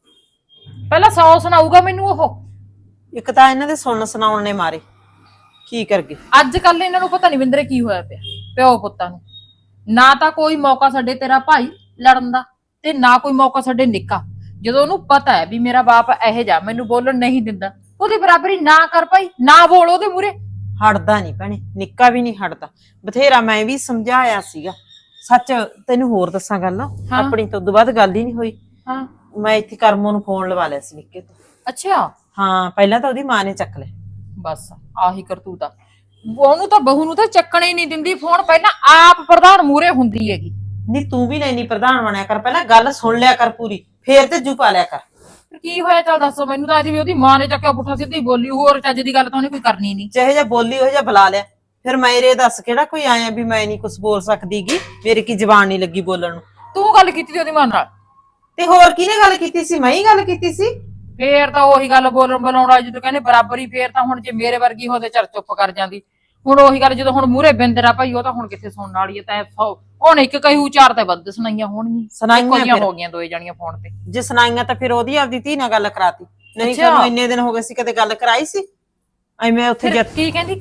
Speaker 4: ਪਹਿਲਾਂ 100 ਸੁਣਾਊਗਾ ਮੈਨੂੰ ਉਹ।
Speaker 5: ਇੱਕ ਤਾਂ ਇਹਨਾਂ ਦੇ ਸੁਣਨ ਸੁਣਾਉਣ ਨੇ ਮਾਰੇ, ਕੀ ਕਰ ਗਏ
Speaker 4: ਅੱਜ ਕੱਲ ਇਹਨਾਂ ਨੂੰ ਪਤਾ ਨਹੀਂ ਬਿੰਦਰੇ ਕੀ ਹੋਇਆ ਪਿਆ ਪਿਓ ਪੁੱਤਾਂ ਨੂੰ। ਨਾ ਤਾਂ ਕੋਈ ਮੌਕਾ ਛੱਡੇ ਤੇਰਾ ਭਾਈ ਲੜਨ ਦਾ, ਤੇ ਨਾ ਕੋਈ ਮੌਕਾ ਛੱਡੇ ਨਿੱਕਾ। ਜਦੋਂ ਉਹਨੂੰ ਪਤਾ ਹੈ ਵੀ ਮੇਰਾ ਬਾਪ ਇਹੋ ਜਿਹਾ ਮੈਨੂੰ ਬੋਲਣ ਨਹੀਂ ਦਿੰਦਾ, ਉਹਦੀ ਬਰਾਬਰੀ ਨਾ ਕਰ ਭਾਈ, ਨਾ ਬੋਲ ਉਹਦੇ ਮੂਹਰੇ।
Speaker 5: ਹਟਦਾ ਨਹੀਂ ਭੈਣੇ, ਨਿੱਕਾ ਵੀ ਨਹੀਂ ਹਟਦਾ। ਬਥੇਰਾ ਮੈਂ ਵੀ ਸਮਝਾਇਆ ਸੀਗਾ। ਸੱਚ ਤੈਨੂੰ ਹੋਰ ਦੱਸਾਂ ਗੱਲ, ਆਪਣੀ ਤੋਂ ਉਦੋਂ ਬਾਅਦ ਗੱਲ ਹੀ ਨਹੀਂ ਹੋਈ।
Speaker 4: ਹਾਂ,
Speaker 5: ਮੈਂ ਇੱਥੇ ਕਰਮੋਂ ਨੂੰ ਫੋਨ ਲਵਾ ਲਿਆ ਸੀ ਨਿੱਕੇ ਤੋਂ।
Speaker 4: ਅੱਛਾ
Speaker 5: ਹਾਂ, ਪਹਿਲਾਂ ਤਾਂ ਉਹਦੀ ਮਾਂ ਨੇ ਚੱਕ ਲਿਆ।
Speaker 4: ਬਸ ਆਹੀ ਕਰਤੂਤ ਆ। ਉਹਨੂੰ ਤਾਂ ਬਹੂ ਨੂੰ ਤਾਂ ਚੱਕਣੇ ਨਹੀਂ ਦਿੰਦੀ ਫੋਨ, ਪਹਿਲਾਂ ਆਪ ਪ੍ਰਧਾਨ ਮੂਹਰੇ ਹੁੰਦੀ ਹੈਗੀ।
Speaker 5: ਨਹੀਂ ਤੂੰ ਵੀ ਨਹੀਂ ਪ੍ਰਧਾਨ ਬਣਿਆ ਕਰ, ਪਹਿਲਾਂ ਗੱਲ ਸੁਣ ਲਿਆ ਕਰ ਪੂਰੀ, ਫੇਰ ਤੇ ਜੂ ਪਾ ਲਿਆ ਕਰ।
Speaker 4: ਫਿਰ ਕੀ ਹੋਇਆ ਚੱਲ ਦੱਸੋ ਮੈਨੂੰ ਤਾਂ। ਅੱਜ ਵੀ ਉਹਦੀ ਮਾਂ ਨੇ ਚੱਕਿਆ ਪੁੱਠਾ ਸਿੱਧੀ ਬੋਲੀ, ਹੋਰ ਚੱਜ ਦੀ ਗੱਲ ਤਾਂ ਉਹਨੇ ਕੋਈ ਕਰਨੀ ਨਹੀਂ।
Speaker 5: ਜਿਹੇ ਜਿਹਾ ਬੋਲੀ ਉਹ ਜਿਹਾ ਬੁਲਾ ਲਿਆ। ਫਿਰ ਮੇਰੇ ਦੱਸ ਕਿਹੜਾ ਕੋਈ ਆਇਆ ਵੀ ਮੈਂ ਨਹੀਂ ਕੁਝ ਬੋਲ ਸਕਦੀਗੀ, ਮੇਰੀ ਕੀ ਜ਼ਬਾਨ ਨਹੀਂ ਲੱਗੀ ਬੋਲਣ ਨੂੰ।
Speaker 4: ਤੂੰ ਗੱਲ ਕੀਤੀ ਉਹਦੀ ਮਾਂ ਨਾਲ?
Speaker 5: ਤੇ ਹੋਰ ਕਿਹਨੇ ਗੱਲ ਕੀਤੀ ਸੀ? ਮੈਂ ਹੀ ਗੱਲ ਕੀਤੀ ਸੀ।
Speaker 4: ਫੇਰ ਤਾਂ ਉਹੀ ਗੱਲ ਬੋਲਣ ਬੁਲਾਉਣਾ, ਜਦੋਂ ਕਹਿੰਦੇ ਬਰਾਬਰੀ। ਫੇਰ ਤਾਂ ਹੁਣ ਜੇ ਮੇਰੇ ਵਰਗੀ ਹੁੰਦੇ ਚਰ ਚੁੱਪ ਕਰ ਜਾਂਦੀ। ਹੁਣ ਉਹੀ ਗੱਲ, ਜਦੋਂ ਹੁਣ ਮੂਹਰੇ ਬਿੰਦਰਾ ਭਾਈ, ਉਹ ਤਾਂ ਹੁਣ ਕਿੱਥੇ ਸੁਣਨ ਵਾਲੀ ਹੈ। ਤਾਂ ਹੁਣ ਇੱਕ ਕਹੂ ਚਾਰ ਤੇ ਵੱਧ ਸੁਣਾਈਆਂ ਹੋਣਗੀਆਂ।
Speaker 5: ਸੁਣਾਈਆਂ
Speaker 4: ਹੋ ਗਈਆਂ ਦੋਏ ਜਾਣੀਆਂ ਫੋਨ ਤੇ।
Speaker 5: ਜੇ ਸੁਣਾਈਆਂ ਤਾਂ ਫਿਰ ਉਹਦੀ ਆਪਦੀ ਧੀ ਨਾਲ ਗੱਲ ਕਰਾਤੀ। ਨਹੀਂ
Speaker 4: ਅੱਛਾ।
Speaker 5: ਕਦੋਂ ਇੰਨੇ ਦਿਨ ਹੋ ਗਏ ਸੀ ਕਦੇ ਗੱਲ ਕਰਾਈ ਸੀ? ਐਵੇਂ ਉੱਥੇ
Speaker 4: ਫਿਰ ਕੀ ਕਹਿੰਦੀ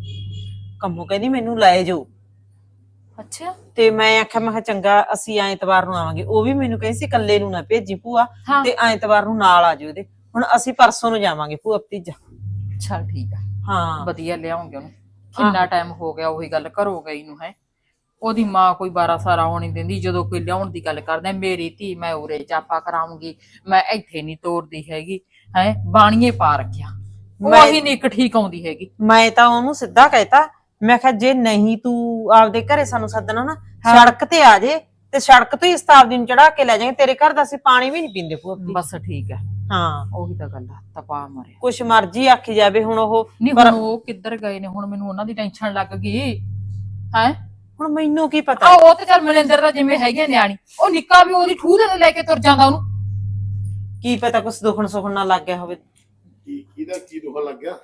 Speaker 5: ਕੰਮੋ ਕਹਿੰਦੀ ਮੈਨੂੰ ਲੈ ਜਾਓ।
Speaker 4: ਅੱਛਾ।
Speaker 5: ਤੇ ਮੈਂ ਆਖਿਆ, ਮੈਂ ਕਿਹਾ ਚੰਗਾ ਅਸੀਂ ਐਤਵਾਰ ਨੂੰ ਆਵਾਂਗੇ। ਉਹ ਵੀ ਮੈਨੂੰ ਕਹਿੰਦੀ ਸੀ ਇਕੱਲੇ ਨੂੰ ਨਾ ਭੇਜੀ ਭੂਆ, ਤੇ ਐਤਵਾਰ ਨੂੰ ਨਾਲ ਆ ਜਾਓ ਇਹਦੇ। ਹੁਣ ਅਸੀਂ ਪਰਸੋਂ ਨੂੰ ਜਾਵਾਂਗੇ ਭੂਆ ਭਤੀਜਾ।
Speaker 4: ਚੱਲ ਠੀਕ ਆ,
Speaker 5: ਹਾਂ
Speaker 4: ਵਧੀਆ ਲਿਆਉਂਗੇ ਉਹਨੂੰ। ਕਿੰਨਾ ਟਾਈਮ ਹੋ ਗਿਆ ਉਹੀ ਗੱਲ ਘਰੋਂ ਗਈ ਨੂੰ। ਹੈ ਉਹਦੀ ਮਾਂ ਕੋਈ 12 ਸਾਰਾ ਹੋਣੀ ਦਿੰਦੀ। ਜਦੋਂ ਕੋਈ ਲਿਆਉਣ ਦੀ ਗੱਲ ਕਰਦਾ, ਮੇਰੀ ਧੀ ਮੈਂ ਉਰੇ ਚਾਪਾ ਕਰਾਉਂਗੀ, ਮੈਂ ਇੱਥੇ ਨਹੀਂ ਤੋਰਦੀ ਹੈਗੀ। ਹੈ ਬਾਣੀਏ ਪਾ ਰੱਖਿਆ, ਉਹੀ ਨੀ ਇੱਕ ਠੀਕ ਆਉਂਦੀ ਹੈਗੀ।
Speaker 5: ਮੈਂ ਤਾਂ ਉਹਨੂੰ ਸਿੱਧਾ ਕਹਿਤਾ, ਮੈਂ ਕਿਹਾ ਜੇ ਨਹੀਂ ਤੂੰ ਆਪਦੇ ਘਰੇ ਸਾਨੂੰ ਸੱਦਣਾ ਨਾ, ਸੜਕ ਤੇ ਆ ਜੇ, ਤੇ ਸੜਕ ਤੋਂ ਹੀ ਸਤਾਬਦੀ ਨੂੰ ਚੜਾ ਕੇ ਲੈ ਜਾਵਾਂਗੇ। ਤੇਰੇ ਘਰ ਦਾ ਅਸੀਂ ਪਾਣੀ ਵੀ ਨਹੀਂ ਪੀਂਦੇ ਭੂਆ।
Speaker 4: ਬਸ ਠੀਕ ਹੈ,
Speaker 5: ਹਾਂ
Speaker 4: ਉਹੀ ਤਾਂ ਗੱਲ ਆ। ਤਪਾ ਮਰਿਆ
Speaker 5: ਕੁਛ ਮਰਜੀ ਆਖੀ ਜਾਵੇ। ਹੁਣ ਉਹ
Speaker 4: ਨਹੀਂ, ਹੁਣ ਉਹ ਕਿੱਧਰ ਗਏ ਨੇ? ਹੁਣ ਮੈਨੂੰ ਉਹਨਾਂ ਦੀ ਟੈਨਸ਼ਨ ਲੱਗ ਗਈ। ਹੈ
Speaker 5: ਹੁਣ ਮੈਨੂੰ ਕੀ ਪਤਾ।
Speaker 4: ਉਹ ਤੇ ਚੱਲ ਮਨਿੰਦਰ ਦਾ ਜਿਵੇਂ ਹੈਗੇ ਨਿਆਣੀ, ਉਹ ਨਿੱਕਾ ਵੀ ਉਹਦੀ ਠੂਹ ਦੇ ਲੈ ਕੇ ਤੁਰ ਜਾਂਦਾ। ਉਹਨੂੰ
Speaker 5: ਕੀ ਪਤਾ ਕੁਛ ਦੁਖਣ ਸੁਖਣ ਨਾ ਲੱਗ ਗਿਆ ਹੋਵੇ।
Speaker 6: ਕਿਹਦਾ ਕੀ ਦੁੱਖ ਲੱਗ ਗਿਆ?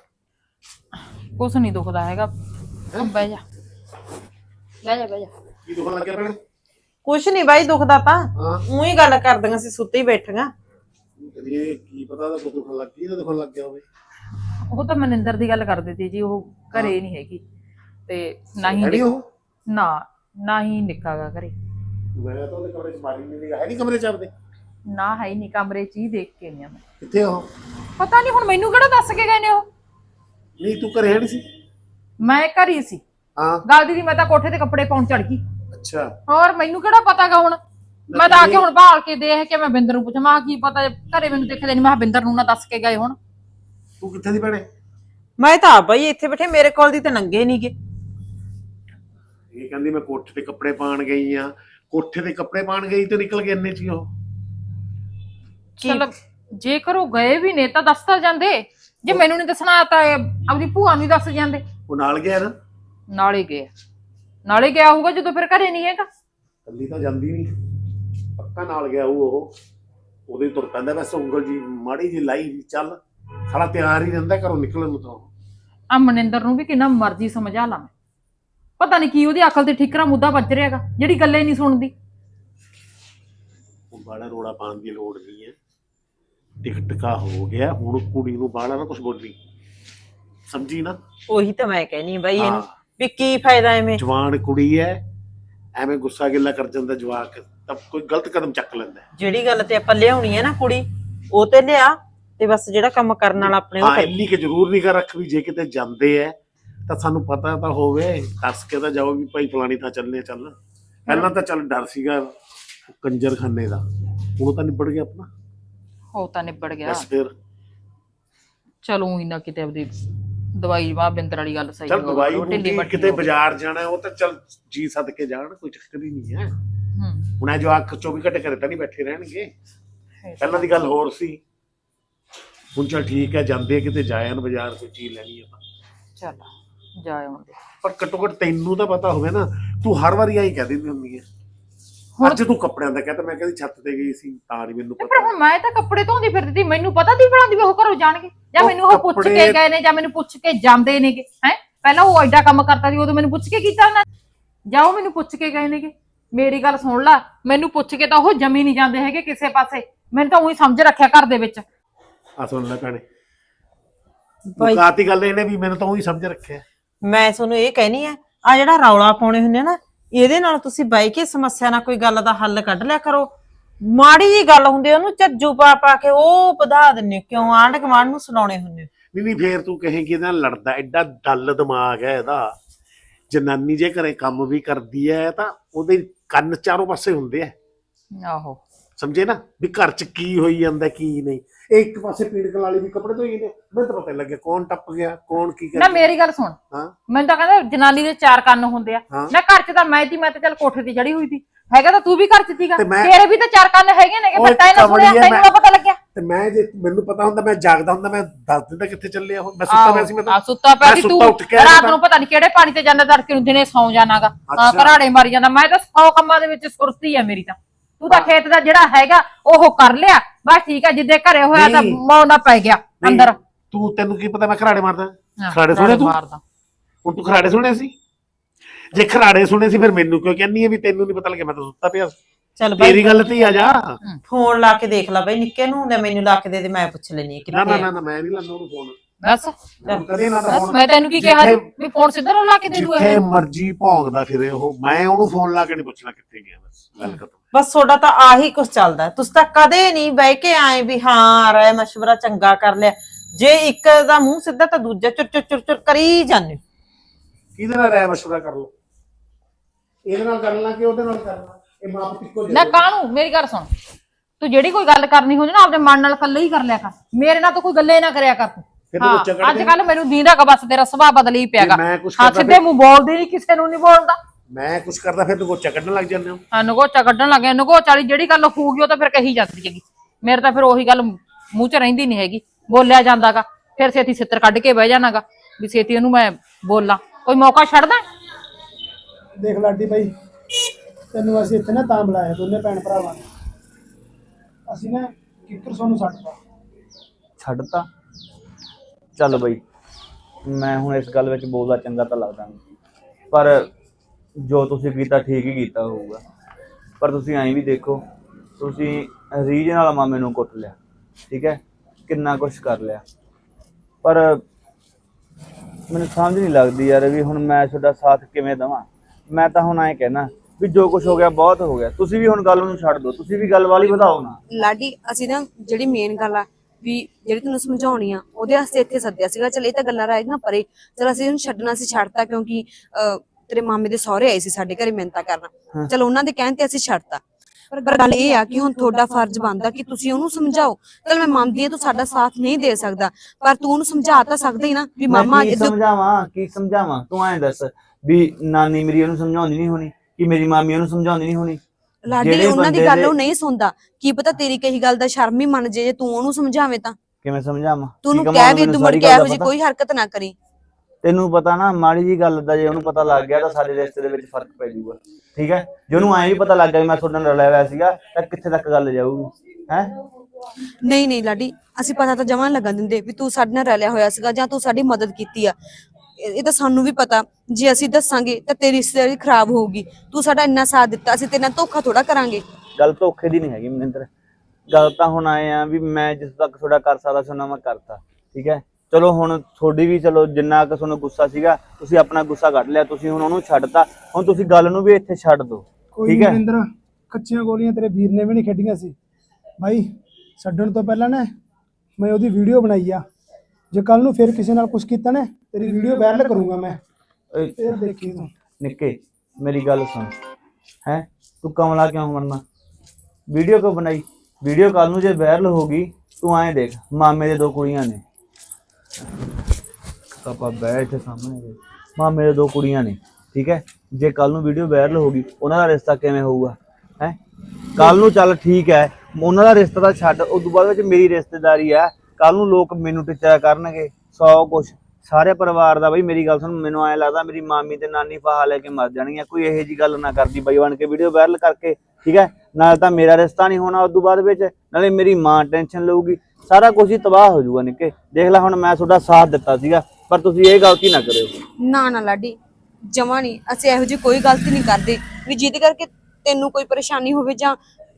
Speaker 4: ਕੁਛ ਨਹੀਂ ਦੁਖਦਾ ਹੈਗਾ। ਬਹਿ ਜਾ, ਬਹਿ ਜਾ, ਬਹਿ ਜਾ।
Speaker 6: ਕੀ ਦੁੱਖ ਲੱਗ ਗਿਆ ਭੈਣ?
Speaker 5: ਕੁਛ ਨਹੀਂ ਬਾਈ ਦੁਖਦਾ ਤਾਂ,
Speaker 6: ਹਾਂ
Speaker 5: ਉਹੀ ਗੱਲ ਕਰਦੀਆਂ ਸੀ, ਸੁੱਤੇ ਹੀ ਬੈਠੀਆਂ।
Speaker 6: ਇਹ ਕੀ ਪਤਾ ਦਾ ਦੁੱਖ ਲੱਗ ਗਈ, ਇਹਦਾ ਦੁੱਖ ਲੱਗ ਗਿਆ ਹੋਵੇ।
Speaker 4: ਉਹ ਤਾਂ ਮਨਿੰਦਰ ਦੀ ਗੱਲ ਕਰਦੇ ਸੀ ਜੀ। ਉਹ ਘਰੇ ਨਹੀਂ ਹੈਗੀ, ਤੇ ਨਾ ਹੀ
Speaker 6: ਉਹ
Speaker 4: ਨਾ ਹੀ ਨਿੱਕਾ ਗਾ ਘਰੇ।
Speaker 6: ਮੈਂ ਤਾਂ ਉਹਦੇ ਕਮਰੇ 'ਚ ਮਾਰੀ ਨਹੀਂ ਹੈ ਨਹੀਂ ਕਮਰੇ 'ਚ ਆਪਦੇ
Speaker 4: ਨਾ ਹੈ ਹੀ ਨਹੀਂ, ਕਮਰੇ 'ਚ ਹੀ ਦੇਖ ਕੇ ਆਈ ਆ ਮੈਂ।
Speaker 6: ਕਿੱਥੇ ਉਹ
Speaker 4: ਪਤਾ ਨਹੀਂ ਹੁਣ ਮੈਨੂੰ ਕਿਹੜਾ ਦੱਸ ਕੇ ਗਏ ਨੇ ਉਹ।
Speaker 6: ਨਹੀਂ ਤੂੰ ਘਰੇ ਨਹੀਂ ਸੀ
Speaker 4: ਮੈਂ ਘਰ ਹੀ ਸੀ।
Speaker 6: ਹਾਂ
Speaker 4: ਗੱਲ ਦੀਦੀ ਮੈਂ ਤਾਂ ਕੋਠੇ ਤੇ ਕੱਪੜੇ ਪਾਉਣ ਚੜ ਗਈ।
Speaker 6: ਅੱਛਾ
Speaker 4: ਹੋਰ ਮੈਨੂੰ ਕਿਹੜਾ ਪਤਾਗਾ ਹੁਣ। ਮੈਂ ਤਾਂ ਆ ਕੇ ਹੁਣ ਭਾਲ ਕੇ ਦੇਖ ਕੇ ਮੈਂ ਬਿੰਦਰ ਨੂੰ ਪੁੱਛਾਂ, ਮੈਂ ਕਿਹਾ ਕੀ ਪਤਾ ਘਰੇ ਮੈਨੂੰ ਦੇਖਦੇ ਨਹੀਂ, ਮੈਂ ਕਿਹਾ ਬਿੰਦਰ ਨੂੰ ਨਾ ਦੱਸ ਕੇ ਗਏ ਹੁਣ।
Speaker 6: ਤੂੰ ਕਿੱਥੇ ਦੀ ਭੈਣੇ?
Speaker 5: ਮੈਂ ਤਾਂ ਆਪ ਬਈ ਇੱਥੇ ਬੈਠੇ, ਮੇਰੇ ਕੋਲ ਦੀ ਤਾਂ ਨੰਗੇ ਨਹੀਂਗੇ।
Speaker 6: ਇਹ ਕਹਿੰਦੀ ਮੈਂ ਕੋਠੇ ਤੇ ਕੱਪੜੇ ਪਾਣ ਗਈ ਆ। ਕੋਠੇ ਤੇ ਕੱਪੜੇ ਪਾਣ ਗਈ ਤੇ ਨਿਕਲ ਗਏ ਇੰਨੇ ਚ ਹੀ ਉਹ।
Speaker 4: ਚਲ ਜੇਕਰ ਉਹ ਗਏ ਵੀ ਨੇ ਤਾਂ ਦੱਸ ਤਾਂ ਜਾਂਦੇ, ਜੇ ਮੈਨੂੰ ਨਹੀਂ ਦੱਸਣਾ ਤਾਂ ਆਪਣੀ ਭੂਆ ਨੂੰ ਹੀ ਦੱਸ ਜਾਂਦੇ।
Speaker 6: ਉਹ ਨਾਲ ਗਿਆ ਨਾ?
Speaker 4: ਨਾਲੇ ਗਿਆ ਹੋਊਗਾ ਜਦੋਂ ਫਿਰ ਘਰੇ ਨਹੀਂ ਹੈਗਾ।
Speaker 6: ਕੱਲੀ ਤਾਂ ਜਾਂਦੀ ਨਹੀਂ, ਪੱਕਾ ਨਾਲ ਗਿਆ ਉਹ। ਉਹਦੇ ਤੁਰ ਪੈਂਦਾ ਵੈਸੇ, ਉਂਗਲ ਜੀ ਮਾੜੀ ਜੀ ਲਾਈ ਵੀ ਚੱਲ, ਸਾਲਾ ਤਿਆਰ ਹੀ ਰਹਿੰਦਾ ਘਰੋਂ ਨਿਕਲਣ ਨੂੰ। ਤਾਂ
Speaker 4: ਆ ਮਨਿੰਦਰ ਨੂੰ ਵੀ ਕਿੰਨਾ ਮਰਜ਼ੀ ਸਮਝਾ ਲਾਂ, ਪਤਾ ਨਹੀਂ ਕੀ ਉਹਦੀ ਅਕਲ ਤੇ ਠੀਕਰਾ ਮੁੱਦਾ ਵੱਜ ਰਿਹਾਗਾ ਜਿਹੜੀ ਗੱਲੇ ਨਹੀਂ ਸੁਣਦੀ।
Speaker 6: ਹੁਣ ਬਾਲਾ ਰੋੜਾ ਪਾਉਣ ਦੀ ਲੋੜ ਨਹੀਂ ਹੈ, ਟਿਕਟਕਾ ਹੋ ਗਿਆ ਹੁਣ। ਕੁੜੀ ਨੂੰ ਬਾਲਾ ਨਾ ਕੁਝ ਬੋਲੀ, ਸਮਝੀ ਨਾ?
Speaker 5: ਉਹੀ ਤਾਂ ਮੈਂ ਕਹਿਨੀ ਬਈ ਇਹਨੂੰ
Speaker 6: ਹਾਂ।
Speaker 5: ਵੀ ਕੀ ਫਾਇਦਾ ਐਵੇਂ।
Speaker 6: ਜਵਾਨ ਕੁੜੀ ਹੈ, ਐਵੇਂ ਗੁੱਸਾ ਗਿੱਲਾ ਕਰ ਜਾਂਦਾ ਜਵਾਕ ਤਾਂ ਕੋਈ ਗਲਤ ਕਦਮ ਚੱਕ ਲੈਂਦਾ।
Speaker 5: ਜਿਹੜੀ ਗੱਲ ਤੇ ਆਪਾਂ ਲਿਆਉਣੀ ਹੈ ਨਾ ਕੁੜੀ, ਉਹ ਤੇ ਲਿਆ, ਤੇ ਬਸ ਜਿਹੜਾ ਕੰਮ ਕਰਨ ਵਾਲਾ ਆਪਣੇ ਉਹ
Speaker 6: ਹਾਂ
Speaker 5: ਕਰੇ।
Speaker 6: ਇੰਨੀ ਕਿ ਜ਼ਰੂਰ ਨਹੀਂ ਕਰ ਰੱਖ ਵੀ ਜੇ ਕਿਤੇ ਜਾਂਦੇ ਐ ਤਾਂ ਸਾਨੂੰ ਪਤਾ ਤਾਂ ਹੋਵੇ, ਦੱਸ ਕੇ ਤਾਂ ਜਾਓ ਵੀ ਭਾਈ ਫਲਾਣੀ ਥਾਂ ਚੱਲਨੇ ਚੱਲ। ਪਹਿਲਾਂ ਤਾਂ ਚੱਲ ਡਰ ਸੀਗਾ ਕੰਜਰਖਾਨੇ ਦਾ, ਹੁਣ ਤਾਂ ਨਿਬੜ ਗਿਆ ਆਪਣਾ।
Speaker 4: ਹੋ ਤਾਂ ਨਿਬੜ ਗਿਆ।
Speaker 6: ਬਸ ਫਿਰ
Speaker 4: ਚਲੋ ਹੀ ਨਾ ਕਿਤੇ ਆਪਦੀ ਦਵਾਈ ਬਿੰਦਰ ਵਾਲੀ ਗੱਲ ਸਹੀ
Speaker 6: ਚੱਲ
Speaker 4: ਹੋਵੇ,
Speaker 6: ਦਵਾਈ
Speaker 4: ਉਹ ਢਿੱਲੀ
Speaker 6: ਬੂਟੀ
Speaker 4: ਮੱਠੀ
Speaker 6: ਕਿਤੇ
Speaker 4: ਹੋਵੇ।
Speaker 6: ਬਾਜ਼ਾਰ ਜਾਣਾ ਉਹ ਤਾਂ ਚੱਲ ਜੀ ਸੱਦ ਕੇ ਜਾਣ, ਕੋਈ ਚੱਕਰ ਹੀ ਨਹੀਂ ਹੈ।
Speaker 4: ਹੂੰ
Speaker 6: ਹੁਣ ਇਹ ਜਵਾਕ 24 ਘੰਟੇ ਘਰੇ ਤਾਂ ਨਹੀਂ ਬੈਠੇ ਰਹਿਣਗੇ। ਪਹਿਲਾਂ ਦੀ ਗੱਲ ਹੋਰ ਸੀ, ਹੁਣ ਚੱਲ ਠੀਕ ਹੈ ਜਾਂਦੇ ਕਿਤੇ ਜਾਇਨ ਬਾਜ਼ਾਰ ਕੋਈ ਚੀਜ਼ ਲੈਣੀ ਆ ਤਾਂ।
Speaker 4: ਚੱਲ ਜਾ ਆਉਂਦੇ।
Speaker 6: ਪਰ ਘੱਟੋ ਘੱਟ ਤੈਨੂੰ ਤਾਂ ਪਤਾ ਹੋਵੇ ਨਾ, ਤੂੰ ਹਰ ਵਾਰੀ ਆਈ ਕਹਿ ਦਿੰਦੀ ਹੁੰਦੀ ਹੈ। ਅੱਜ ਤੂੰ ਕੱਪੜਿਆਂ ਦਾ ਕਹਿੰਦਾ, ਮੈਂ ਕਹਿੰਦੀ ਛੱਤ ਤੇ ਗਈ ਸੀ ਤਾਂ ਨਹੀਂ ਮੈਨੂੰ
Speaker 4: ਪਰ
Speaker 6: ਪਤਾ।
Speaker 4: ਹੁਣ ਮੈਂ ਤਾਂ ਕੱਪੜੇ ਧੋਂਦੀ ਫਿਰਦੀ ਸੀ, ਮੈਨੂੰ ਪਤਾ ਨਹੀਂ ਬਣਾਉਂਦੀ ਵੀ ਉਹ ਘਰੋਂ ਜਾਣਗੇ ਜਾਂ
Speaker 6: ਉਹ
Speaker 4: ਮੈਨੂੰ ਉਹ ਪੁੱਛ ਕੇ
Speaker 6: ਕੱਪੜੇ-
Speaker 4: ਗਏ ਨੇ ਜਾਂ ਮੈਨੂੰ ਪੁੱਛ ਕੇ ਜਾਂਦੇ ਨੇਗੇ। ਹੈ ਪਹਿਲਾਂ ਉਹ ਐਡਾ ਕੰਮ ਕਰਦਾ ਸੀ, ਉਦੋਂ ਮੈਨੂੰ ਪੁੱਛ ਕੇ ਕੀਤਾ ਉਹਨਾਂ ਨੇ, ਜਾਂ ਉਹ ਮੈਨੂੰ ਪੁੱਛ ਕੇ ਗਏ ਨੇਗੇ। ਮੇਰੀ ਗੱਲ ਸੁਣ ਲੈ, ਮੈਨੂੰ ਪੁੱਛ ਕੇ ਤਾਂ ਉਹ ਜਮੀ ਨਹੀਂ ਜਾਂਦੇ ਹੈਗੇ ਕਿਸੇ ਪਾਸੇ। ਮੈਨੂੰ ਤਾਂ ਉਹੀ ਸਮਝ ਰੱਖਿਆ ਘਰ ਦੇ ਵਿੱਚ।
Speaker 6: ਆ ਸੁਣ ਲੈ ਭੈਣੇ,
Speaker 5: ਬਾਈ
Speaker 6: ਮੁਕਾਤੀ ਗੱਲ ਇਹਨੇ ਵੀ ਮੈਨੂੰ ਤਾਂ ਉਹੀ ਸਮਝ ਰੱਖਿਆ।
Speaker 5: ਮੈਂ ਤੁਹਾਨੂੰ ਇਹ ਕਹਿਨੀ ਆ ਜਿਹੜਾ ਰੌਲਾ ਪਾਉਣੇ ਹੁੰਦੇ ਨਾ, ਇਹਦੇ ਨਾਲ ਤੁਸੀਂ ਬਾਈ ਕੇ ਸਮੱਸਿਆ ਨਾਲ ਕੋਈ ਗੱਲ ਦਾ ਹੱਲ ਕੱਢ ਲਿਆ ਕਰੋ। ਮਾੜੀ ਜੀ ਗੱਲ ਹੁੰਦੀ ਉਹਨੂੰ ਝੱਜੂ ਪਾ ਕੇ ਉਹ ਵਧਾ ਦਿੰਦੇ ਹੋ। ਕਿਉਂ ਆਂਢ ਗੁਆਂਢ ਨੂੰ ਸੁਣਾਉਣੇ ਹੁੰਦੇ ਹੋ?
Speaker 6: ਨਹੀਂ ਫੇਰ ਤੂੰ ਕਹੇਂਗੀ ਇਹਦੇ ਨਾਲ ਲੜਦਾ, ਐਡਾ ਡੱਲ ਦਿਮਾਗ ਹੈ ਇਹਦਾ। ਜਨਾਨੀ ਜੇ ਘਰੇ ਕੰਮ ਵੀ ਕਰਦੀ ਹੈ ਤਾਂ ਉਹਦੇ ਕੰਨ ਚਾਰੋਂ ਪਾਸੇ ਹੁੰਦੇ ਆ,
Speaker 4: ਆਹੋ
Speaker 6: ਸਮਝੇ ਨਾ? ਵੀ ਘਰ ਚ ਕੀ ਹੋਈ ਜਾਂਦਾ ਕੀ ਨਹੀਂ। ਇਹ ਇੱਕ ਪਾਸੇ ਪੀੜਕ ਵਾਲੀ ਵੀ ਕੱਪੜੇ ਧੋਈ ਨੇ, ਮੈਨੂੰ ਤਾਂ ਪਤਾ ਨਹੀਂ ਲੱਗਿਆ ਕੌਣ ਟੱਪ ਗਿਆ ਕੌਣ ਕੀ
Speaker 4: ਨਾ।
Speaker 6: ਕਰ।
Speaker 4: ਮੇਰੀ ਗੱਲ ਸੁਣ,
Speaker 6: ਹਾਂ
Speaker 4: ਮੈਨੂੰ ਤਾਂ ਕਹਿੰਦਾ ਜਨਾਨੀ ਦੇ 4 ਕੰਨ ਹੁੰਦੇ ਆ।
Speaker 6: ਹਾਂ।
Speaker 4: ਨਾ ਘਰ 'ਚ ਤਾਂ ਮੈਂ ਤਾਂ ਚੱਲ ਕੋਠੇ ਤੇ ਚੜੀ ਹੋਈ ਸੀ, ਹੈਗਾ ਤਾਂ ਤੂੰ ਵੀ ਘਰ 'ਚ ਸੀਗਾ,
Speaker 6: ਤੇ ਮੈਂ-
Speaker 4: ਤੇਰੇ ਵੀ ਤਾਂ 4 ਕੰਨ ਹੈਗੇ ਨੇ।
Speaker 6: ਓਏ
Speaker 4: ਫਿਰ ਤਾਂ ਇਹਨਾਂ ਸੁਣਿਆ,
Speaker 6: ਕਮਲੀਏ,
Speaker 4: ਤੈਨੂੰ ਤਾਂ ਪਤਾ ਲੱਗਿਆ।
Speaker 6: ਤੇ ਮੈਂ ਜੇ ਮੈਨੂੰ ਪਤਾ ਹੁੰਦਾ, ਮੈਂ ਜਾਗਦਾ ਹੁੰਦਾ, ਮੈਂ ਦੱਸ ਦਿੰਦਾ ਕਿੱਥੇ ਚੱਲੇ ਆ। ਮੈਂ ਸੁੱਤਾ ਪਿਆ ਸੀ, ਮੈਂ ਤਾਂ
Speaker 4: ਸੁੱਤਾ ਪਿਆ
Speaker 6: ਮੈਂ
Speaker 4: ਸੀ ਤੂੰ।
Speaker 6: ਸੁੱਤਾ ਉੱਠ ਕੇ ਆਇਆ
Speaker 4: ਰਾਤ
Speaker 6: ਤਾਂ।
Speaker 4: ਨੂੰ ਪਤਾ ਨਹੀਂ ਕਿਹੜੇ ਪਾਣੀ ਤੇ ਜਾਂਦਾ, ਤੜਕੇ ਨੂੰ ਦਿਨੇ ਸੌਂ ਜਾਣਾਗਾ।
Speaker 6: ਅੱਛਾ।
Speaker 4: ਘਰਾੜੇ ਮਾਰੀ ਜਾਂਦਾ। ਮੈਂ ਤਾਂ 100 ਕੰਮਾਂ ਦੇ ਵਿੱਚ ਸੁਰਤੀ ਆ ਮੇਰੀ ਤਾਂ। ਤੂੰ ਤਾਂ ਖੇਤ ਦਾ ਜਿਹੜਾ ਹੈਗਾ ਉਹ ਕਰ ਲਿਆ, ਬਸ ਠੀਕ ਆ। ਜਿੱਦੇ ਘਰੇ ਹੋਇਆ ਤਾਂ
Speaker 6: ਨਹੀਂ।
Speaker 4: ਮੌਨਾ ਪੈ ਗਿਆ
Speaker 6: ਨਹੀਂ,
Speaker 4: ਅੰਦਰ।
Speaker 6: ਤੈਨੂੰ ਕੀ ਪਤਾ ਮੈਂ ਖਰਾੜੇ ਮਾਰਦਾ?
Speaker 4: ਹਾਂ,
Speaker 6: ਖਰਾੜੇ ਸੁਣੇ ਤੂੰ?
Speaker 4: ਮਾਰਦਾ।
Speaker 6: ਹੁਣ ਤੂੰ ਖਰਾੜੇ ਸੁਣੇ ਸੀ? ਜੇ ਖਰਾੜੇ ਸੁਣੇ ਸੀ ਫਿਰ ਮੈਨੂੰ ਕਿਉਂ ਕਹਿੰਨੀ ਹੈ ਵੀ ਤੈਨੂੰ ਨਹੀਂ ਪਤਾ ਲੱਗਿਆ? ਮੈਂ ਤਾਂ ਸੁੱਤਾ ਪਿਆ।
Speaker 5: ਚੱਲ
Speaker 6: ਤੇਰੀ
Speaker 5: ਬਾਈ
Speaker 6: ਗੱਲ ਤੇ ਹੀ ਆ ਜਾ।
Speaker 5: ਫੋਨ ਲਾ ਕੇ ਦੇਖ ਲੈ ਬਾਈ, ਨਿੱਕੇ ਨੂੰ ਲੈ ਮੈਨੂੰ ਲਾ ਕੇ ਦੇ, ਮੈਂ ਪੁੱਛ ਲੈਣੀ
Speaker 6: ਨਾ
Speaker 5: ਕਿੱਥੇ
Speaker 6: ਨਾ ਮੈਂ ਨਹੀਂ ਲਾਉਂਦਾ ਉਹਨੂੰ ਫੋਨ।
Speaker 4: ਬਸ
Speaker 6: ਕਦੇ ਨਾ
Speaker 4: ਬਸ
Speaker 6: ਫੋਨ।
Speaker 4: ਮੈਂ ਤੈਨੂੰ ਕੀ ਕਿਹਾ ਵੀ ਫੋਨ ਸਿੱਧਾ ਨਾ ਲਾ ਕੇ ਦੇ ਦੂ
Speaker 6: ਜਿੱਥੇ ਮਰਜੀ ਭੌਂਕਦਾ ਫਿਰੇ ਉਹ, ਮੈਂ ਉਹਨੂੰ ਫੋਨ ਲਾ ਕੇ ਨਹੀਂ ਪੁੱਛਣਾ ਕਿੱਥੇ ਗਿਆ। ਬਸ ਗੱਲ ਖਤਮ।
Speaker 5: ਬਸ ਤੁਹਾਡਾ ਤਾਂ ਆਹੀ ਕੁਝ ਚੱਲਦਾ। ਤੁਸੀਂ ਤਾਂ ਕਦੇ ਨਹੀਂ ਬਹਿ ਕੇ ਆਏ ਵੀ ਹਾਂ ਰਾਏ ਮਸ਼ਵਰਾ ਚੰਗਾ ਕਰ ਲਿਆ। ਜੇ ਇੱਕ ਦਾ ਮੂੰਹ ਸਿੱਧਾ ਤਾਂ ਦੂਜਾ ਚੁਰ ਕਰੀ ਜਾਂਦੇ।
Speaker 6: ਕਿਹਦੇ ਨਾਲ ਰਾਇ ਮਸ਼ਵਰਾ ਕਰ ਲਓ? ਇਹਦੇ ਨਾਲ ਕਰ ਲਾਂ ਕਿ ਉਹਦੇ ਨਾਲ ਕਰ ਲਾਂ? ਇਹ ਮਾਂ ਪੁੱਤ ਇੱਕੋ
Speaker 4: ਨਾ ਕਾਹਨੂੰ? ਮੇਰੀ ਗੱਲ ਸੁਣ, ਤੂੰ ਜਿਹੜੀ ਕੋਈ ਗੱਲ ਕਰਨੀ ਹੁੰਦੀ ਨਾ ਆਪਦੇ ਮਨ ਨਾਲ ਇਕੱਲੇ ਹੀ ਕਰ ਲਿਆ ਕਰ। ਮੇਰੇ ਨਾਲ ਤਾਂ ਕੋਈ ਗੱਲੇ ਨਾ ਕਰਿਆ ਕਰ ਤੂੰ।
Speaker 6: ਫਿਰ ਤੂੰ ਬੱਚਾ ਕੱਢ
Speaker 4: ਅੱਜ
Speaker 6: ਦੇ।
Speaker 4: ਕੱਲ ਮੈਨੂੰ ਦੀਂਦਾ ਕਿ ਬਸ ਤੇਰਾ ਸੁਭਾਅ ਬਦਲ ਹੀ ਪਿਆਗਾ।
Speaker 6: ਮੈਂ ਕੁਛ
Speaker 4: ਹਾਂ,
Speaker 6: ਕਰਦਾ
Speaker 4: ਸਿੱਧੇ ਮੂੰਹ ਬੋਲਦੇ ਨਹੀਂ, ਕਿਸੇ ਨੂੰ ਨਹੀਂ ਬੋਲਦਾ।
Speaker 6: ਮੈਂ ਕੁਛ ਕਰਦਾ ਫਿਰ ਤੂੰ ਗੋਚਾ ਕੱਢਣ ਲੱਗ ਜਾਂਦੇ ਹੋ।
Speaker 4: ਹਾਂ, ਨਗੋਚਾ ਕੱਢਣ ਲੱਗ ਗਿਆ। ਨਗੋਚ ਵਾਲੀ ਜਿਹੜੀ ਗੱਲ ਹੋਊਗੀ ਉਹ ਤਾਂ ਫਿਰ ਕਹੀ ਜਾਂਦੀ ਹੈਗੀ। ਮੇਰੇ ਤਾਂ ਫਿਰ ਉਹੀ ਗੱਲ ਮੂੰਹ 'ਚ ਰਹਿੰਦੀ ਨਹੀਂ ਹੈਗੀ, ਬੋਲਿਆ ਜਾਂਦਾਗਾ। ਫਿਰ ਛੇਤੀ ਸਿੱਤਰ ਕੱਢ ਕੇ ਬਹਿ ਜਾਣਾਗਾ ਵੀ ਛੇਤੀ ਉਹਨੂੰ ਮੈਂ ਬੋਲਾਂ। ਕੋਈ ਮੌਕਾ ਛੱਡਦਾ?
Speaker 7: ਦੇਖ ਲਾਡੀ ਭਾਈ, ਤੈਨੂੰ ਅਸੀਂ ਇੱਥੇ ਨਾ ਤਾਂ ਬੁਲਾਇਆ, ਦੋਨੇ ਭੈਣ ਭਰਾਵਾਂ ਨੇ। ਅਸੀਂ ਨਾ ਕਿੱਕਰ ਸੋਨੂੰ
Speaker 1: ਛੱਡਤਾ? ਚੱਲ ਬਈ, ਮੈਂ ਹੁਣ ਇਸ ਗੱਲ ਵਿੱਚ ਬੋਲਦਾ ਚੰਗਾ ਤਾਂ ਲੱਗਦਾ ਨਹੀਂ, ਪਰ ਜੋ ਤੁਸੀਂ ਕੀਤਾ ਠੀਕ ਹੀ ਕੀਤਾ ਹੋਊਗਾ। ਪਰ ਤੁਸੀਂ ਐਂ ਵੀ ਦੇਖੋ, ਤੁਸੀਂ ਰੀਝ ਨਾਲ ਮਾਮੇ ਨੂੰ ਕੁੱਟ ਲਿਆ, ਠੀਕ ਹੈ, ਕਿੰਨਾ ਕੁਛ ਕਰ ਲਿਆ, ਪਰ ਮੈਨੂੰ ਸਮਝ ਨਹੀਂ ਲੱਗਦੀ ਯਾਰ ਵੀ ਹੁਣ ਮੈਂ ਤੁਹਾਡਾ ਸਾਥ ਕਿਵੇਂ ਦੇਵਾਂ। ਮੈਂ ਤਾਂ ਹੁਣ ਐਂ ਕਹਿਣਾ ਵੀ ਜੋ ਕੁਝ ਹੋ ਗਿਆ ਬਹੁਤ ਹੋ ਗਿਆ, ਤੁਸੀਂ ਵੀ ਹੁਣ ਗੱਲ ਨੂੰ ਛੱਡ ਦਿਓ, ਤੁਸੀਂ ਵੀ ਗੱਲ ਵਾਲੀ ਵਧਾਓ ਨਾ।
Speaker 8: ਲਾਡੀ ਅਸੀਂ ਨਾ ਜਿਹੜੀ ਮੇਨ ਗੱਲ ਆ ਵੀ ਜਿਹੜੀ ਤੈਨੂੰ ਸਮਝਾਉਣੀ ਆ ਉਹਦੇ ਵਾਸਤੇ ਇੱਥੇ ਸੱਦਿਆ ਸੀਗਾ। ਚਲ ਇਹ ਤਾਂ ਗੱਲਾਂ ਰਹਿ ਗਈਆਂ ਪਰੇ, ਚਲ ਅਸੀਂ ਉਹਨੂੰ ਛੱਡਣਾ ਸੀ ਛੱਡਤਾ, ਕਿਉਂਕਿ ਤੇਰੇ ਮਾਮੇ ਦੇ ਸਹੁਰੇ ਆਏ ਸੀ ਸਾਡੇ ਘਰੇ ਮਿਹਨਤਾਂ ਕਰਨ, ਚਲ ਉਹਨਾਂ ਦੇ ਕਹਿਣ ਤੇ ਅਸੀਂ ਛੱਡਤਾ। ਪਰ ਗੱਲ ਇਹ ਆ ਕਿ ਹੁਣ ਤੁਹਾਡਾ ਫਰਜ਼ ਬਣਦਾ ਕਿ ਤੁਸੀਂ ਉਹਨੂੰ ਸਮਝਾਓ। ਚਲ ਮੈਂ ਮੰਨਦੀ ਆ ਤੂੰ ਸਾਡਾ ਸਾਥ ਨਹੀਂ ਦੇ ਸਕਦਾ, ਪਰ ਤੂੰ ਉਹਨੂੰ ਸਮਝਾ ਤਾਂ ਸਕਦਾ ਹੀ ਨਾ ਵੀ
Speaker 1: ਮੈਂ
Speaker 8: ਮਾਮਾ
Speaker 1: ਕੀ ਸਮਝਾਵਾਂ, ਕੀ ਸਮਝਾਵਾਂ, ਤੂੰ ਐਂ ਦੱਸ ਵੀ ਨਾਨੀ ਮੇਰੀ ਉਹਨੂੰ ਸਮਝਾਉਂਦੀ ਨਹੀਂ ਹੋਣੀ, ਕਿ ਮੇਰੀ ਮਾਮੀ ਉਹਨੂੰ ਸਮਝਾਉਂਦੀ ਨਹੀਂ ਹੋਣੀ?
Speaker 8: ਲਾਡੀ
Speaker 1: ਜਿਹੜੇ
Speaker 8: ਉਹਨਾਂ ਦੀ
Speaker 1: ਬੰਦੇ
Speaker 8: ਗੱਲ
Speaker 1: ਦੇ-
Speaker 8: ਉਹ ਨਹੀਂ ਸੁਣਦਾ, ਕੀ ਪਤਾ ਤੇਰੀ ਕਹੀ ਗੱਲ ਦਾ ਸ਼ਰਮ ਹੀ ਮੰਨ ਜੇ ਤੂੰ ਉਹਨੂੰ ਸਮਝਾਵੇਂ ਤਾਂ।
Speaker 1: ਕਿਵੇਂ ਸਮਝਾਵਾਂ?
Speaker 8: ਤੂੰ ਉਹਨੂੰ
Speaker 1: ਠੀਕ ਆ,
Speaker 8: ਕਹਿ ਵੀ
Speaker 1: ਮੈਨੂੰ
Speaker 8: ਤੂੰ ਮੁੜ
Speaker 1: ਸਾਰੀ
Speaker 8: ਕੇ
Speaker 1: ਗੱਲ
Speaker 8: ਇਹੋ
Speaker 1: ਦਾ
Speaker 8: ਜਿਹੀ
Speaker 1: ਪਤਾ।
Speaker 8: ਕੋਈ ਹਰਕਤ ਨਾ ਕਰੀ।
Speaker 1: ਤੈਨੂੰ ਪਤਾ ਨਾ, ਮਾੜੀ ਜੀ ਗੱਲ ਦਾ ਜੇ ਉਹਨੂੰ ਪਤਾ ਲੱਗ ਗਿਆ ਤਾਂ ਸਾਡੇ ਰਿਸ਼ਤੇ ਦੇ ਵਿੱਚ ਫਰਕ ਪੈ ਜਾਊਗਾ, ਠੀਕ ਹੈ? ਜੇ ਉਹਨੂੰ ਐਂ ਵੀ ਪਤਾ ਲੱਗ ਗਿਆ ਵੀ ਮੈਂ ਤੁਹਾਡੇ ਨਾਲ ਰਲਿਆ ਹੋਇਆ ਸੀਗਾ ਤਾਂ ਕਿੱਥੇ ਤੱਕ ਗੱਲ ਜਾਊਗੀ, ਹੈ?
Speaker 8: ਨਹੀਂ ਨਹੀਂ ਲਾਡੀ, ਅਸੀਂ ਪਤਾ ਤਾਂ ਜਮਾਂ ਨੀ ਲੱਗਣ ਦਿੰਦੇ ਵੀ ਤੂੰ ਸਾਡੇ ਨਾਲ ਰਲਿਆ ਹੋਇਆ ਸੀਗਾ ਜਾਂ ਤੂੰ ਸਾਡੀ ਮਦਦ ਕੀਤੀ ਆ। ਇਹ ਤਾਂ ਸਾਨੂੰ ਵੀ ਪਤਾ, ਜੇ ਅਸੀਂ ਦੱਸਾਂਗੇ ਤਾਂ ਤੇਰੀ ਰਿਸ਼ਤੇਦਾਰੀ ਖਰਾਬ ਹੋਊਗੀ। ਤੂੰ ਸਾਡਾ ਇੰਨਾ ਸਾਥ ਦਿੱਤਾ, ਅਸੀਂ ਤੇਰੇ ਨਾਲ ਧੋਖਾ ਥੋੜਾ ਕਰਾਂਗੇ।
Speaker 1: ਗੱਲ ਧੋਖੇ ਦੀ ਨਹੀਂ ਹੈਗੀ ਮਨਿੰਦਰ, ਗੱਲ ਤਾਂ ਹੁਣ ਆਏ ਆ ਵੀ ਮੈਂ ਜਿਸ ਤੱਕ ਤੁਹਾਡਾ ਕਰ ਸਕਦਾ ਸੀ ਉਹਨਾਂ ਮੈਂ ਕਰਤਾ, ਠੀਕ ਹੈ? ਚਲੋ ਹੁਣ ਤੁਹਾਡੀ ਵੀ, ਚਲੋ ਜਿੰਨਾ ਕੁ ਤੁਹਾਨੂੰ ਗੁੱਸਾ ਸੀਗਾ ਤੁਸੀਂ ਆਪਣਾ ਗੁੱਸਾ ਕੱਢ ਲਿਆ, ਤੁਸੀਂ ਹੁਣ ਉਹਨੂੰ ਛੱਡਤਾ, ਹੁਣ ਤੁਸੀਂ ਗੱਲ ਨੂੰ ਵੀ ਇੱਥੇ ਛੱਡ ਦਿਓ,
Speaker 7: ਕੋਈ
Speaker 1: ਠੀਕ ਹੈ?
Speaker 7: ਮਨਿੰਦਰ, ਕੱਚੀਆਂ ਗੋਲੀਆਂ ਤੇਰੇ ਵੀਰ ਨੇ ਵੀ ਨਹੀਂ ਖੇਡੀਆਂ ਸੀ ਬਾਈ। ਛੱਡਣ ਤੋਂ ਪਹਿਲਾਂ ਨਾ ਮੈਂ ਉਹਦੀ ਵੀਡੀਓ ਬਣਾਈ ਆ, ਜੇ ਕੱਲ ਨੂੰ ਫਿਰ ਕਿਸੇ ਨਾਲ ਕੁਝ ਕੀਤਾ ਨਾ ਤੇਰੀ ਵੀਡੀਓ ਵਾਇਰਲ ਕਰੂੰਗਾ ਮੈਂ,
Speaker 1: ਓਏ
Speaker 7: ਫਿਰ ਦੇਖੀ ਤੂੰ।
Speaker 1: ਨਿੱਕੇ ਮੇਰੀ ਗੱਲ ਸੁਣ, ਹੈ ਤੂੰ ਕਮਲਾ ਕਿਉਂ ਬਣਨਾ? ਵੀਡੀਓ ਕਿਉਂ ਬਣਾਈ? ਵੀਡੀਓ ਕੱਲ ਨੂੰ ਜੇ ਵਾਇਰਲ ਹੋ ਗਈ, ਤੂੰ ਐਂ ਦੇਖ, ਮਾਮੇ ਦੇ 2 ਕੁੜੀਆਂ ਨੇ, ਪਾਪਾ ਬੈਠ ਸਾਹਮਣੇ ਦੇ, ਮਾਮੇ ਦੇ 2 ਕੁੜੀਆਂ ਨੇ, ਠੀਕ ਹੈ? ਜੇ ਕੱਲ ਨੂੰ ਵੀਡੀਓ ਵਾਇਰਲ ਹੋ ਗਈ, ਉਹਨਾਂ ਦਾ ਰਿਸ਼ਤਾ ਕਿਵੇਂ ਹੋਊਗਾ? ਹੈ ਕੱਲ ਨੂੰ ਚੱਲ ਠੀਕ ਹੈ, ਉਹਨਾਂ ਦਾ ਰਿਸ਼ਤਾ ਤਾਂ ਛੱਡ, ਉਸ ਤੋਂ ਬਾਅਦ ਵਿੱਚ ਮੇਰੀ ਰਿਸ਼ਤੇਦਾਰੀ ਆ, ਕੱਲ ਨੂੰ ਲੋਕ ਮੈਨੂੰ ਟਿੱਚਾ ਕਰਨਗੇ 100 ਕੁਛ, ਸਾਰੇ ਪਰਿਵਾਰ ਦਾ। ਬਈ ਮੇਰੀ ਗੱਲ ਸੁਣ, ਮੈਨੂੰ ਐਂ ਲੱਗਦਾ ਮੇਰੀ ਮਾਮੀ ਤੇ ਨਾਨੀ ਫਾਹਾ ਲੈ ਕੇ ਮਰ ਜਾਣਗੀਆਂ, ਕੋਈ ਇਹੋ ਜੀ ਗੱਲ ਨਾ ਕਰਦੀ ਬਈ ਬਣ ਕੇ ਵੀਡੀਓ ਵਾਇਰਲ ਕਰਕੇ, ਠੀਕ ਹੈ? ਨਾਲ ਤਾਂ ਮੇਰਾ ਰਿਸ਼ਤਾ ਨਹੀਂ ਹੋਣਾ ਉਸ ਤੋਂ ਬਾਅਦ ਵਿੱਚ, ਨਾਲੇ ਮੇਰੀ ਮਾਂ ਟੈਨਸ਼ਨ ਲਊਗੀ, ਸਾਰਾ ਕੁਝ ਹੀ ਤਬਾਹ ਹੋ ਜਾਊਗਾ। ਨਿੱਕੇ ਦੇਖ ਲੈ, ਹੁਣ ਮੈਂ ਤੁਹਾਡਾ ਸਾਥ ਦਿੱਤਾ ਸੀਗਾ, ਪਰ ਤੁਸੀਂ ਇਹ ਗਲਤੀ ਨਾ ਕਰਿਓ।
Speaker 8: ਨਾ ਨਾ ਲਾਡੀ, ਜਮਾਂ ਨਹੀਂ, ਅਸੀਂ ਇਹੋ ਜਿਹੀ ਕੋਈ ਗਲਤੀ ਨਹੀਂ ਕਰਦੇ ਵੀ ਜਿਹਦੇ ਕਰਕੇ ਤੈਨੂੰ ਕੋਈ ਪਰੇਸ਼ਾਨੀ ਹੋਵੇ ਜਾਂ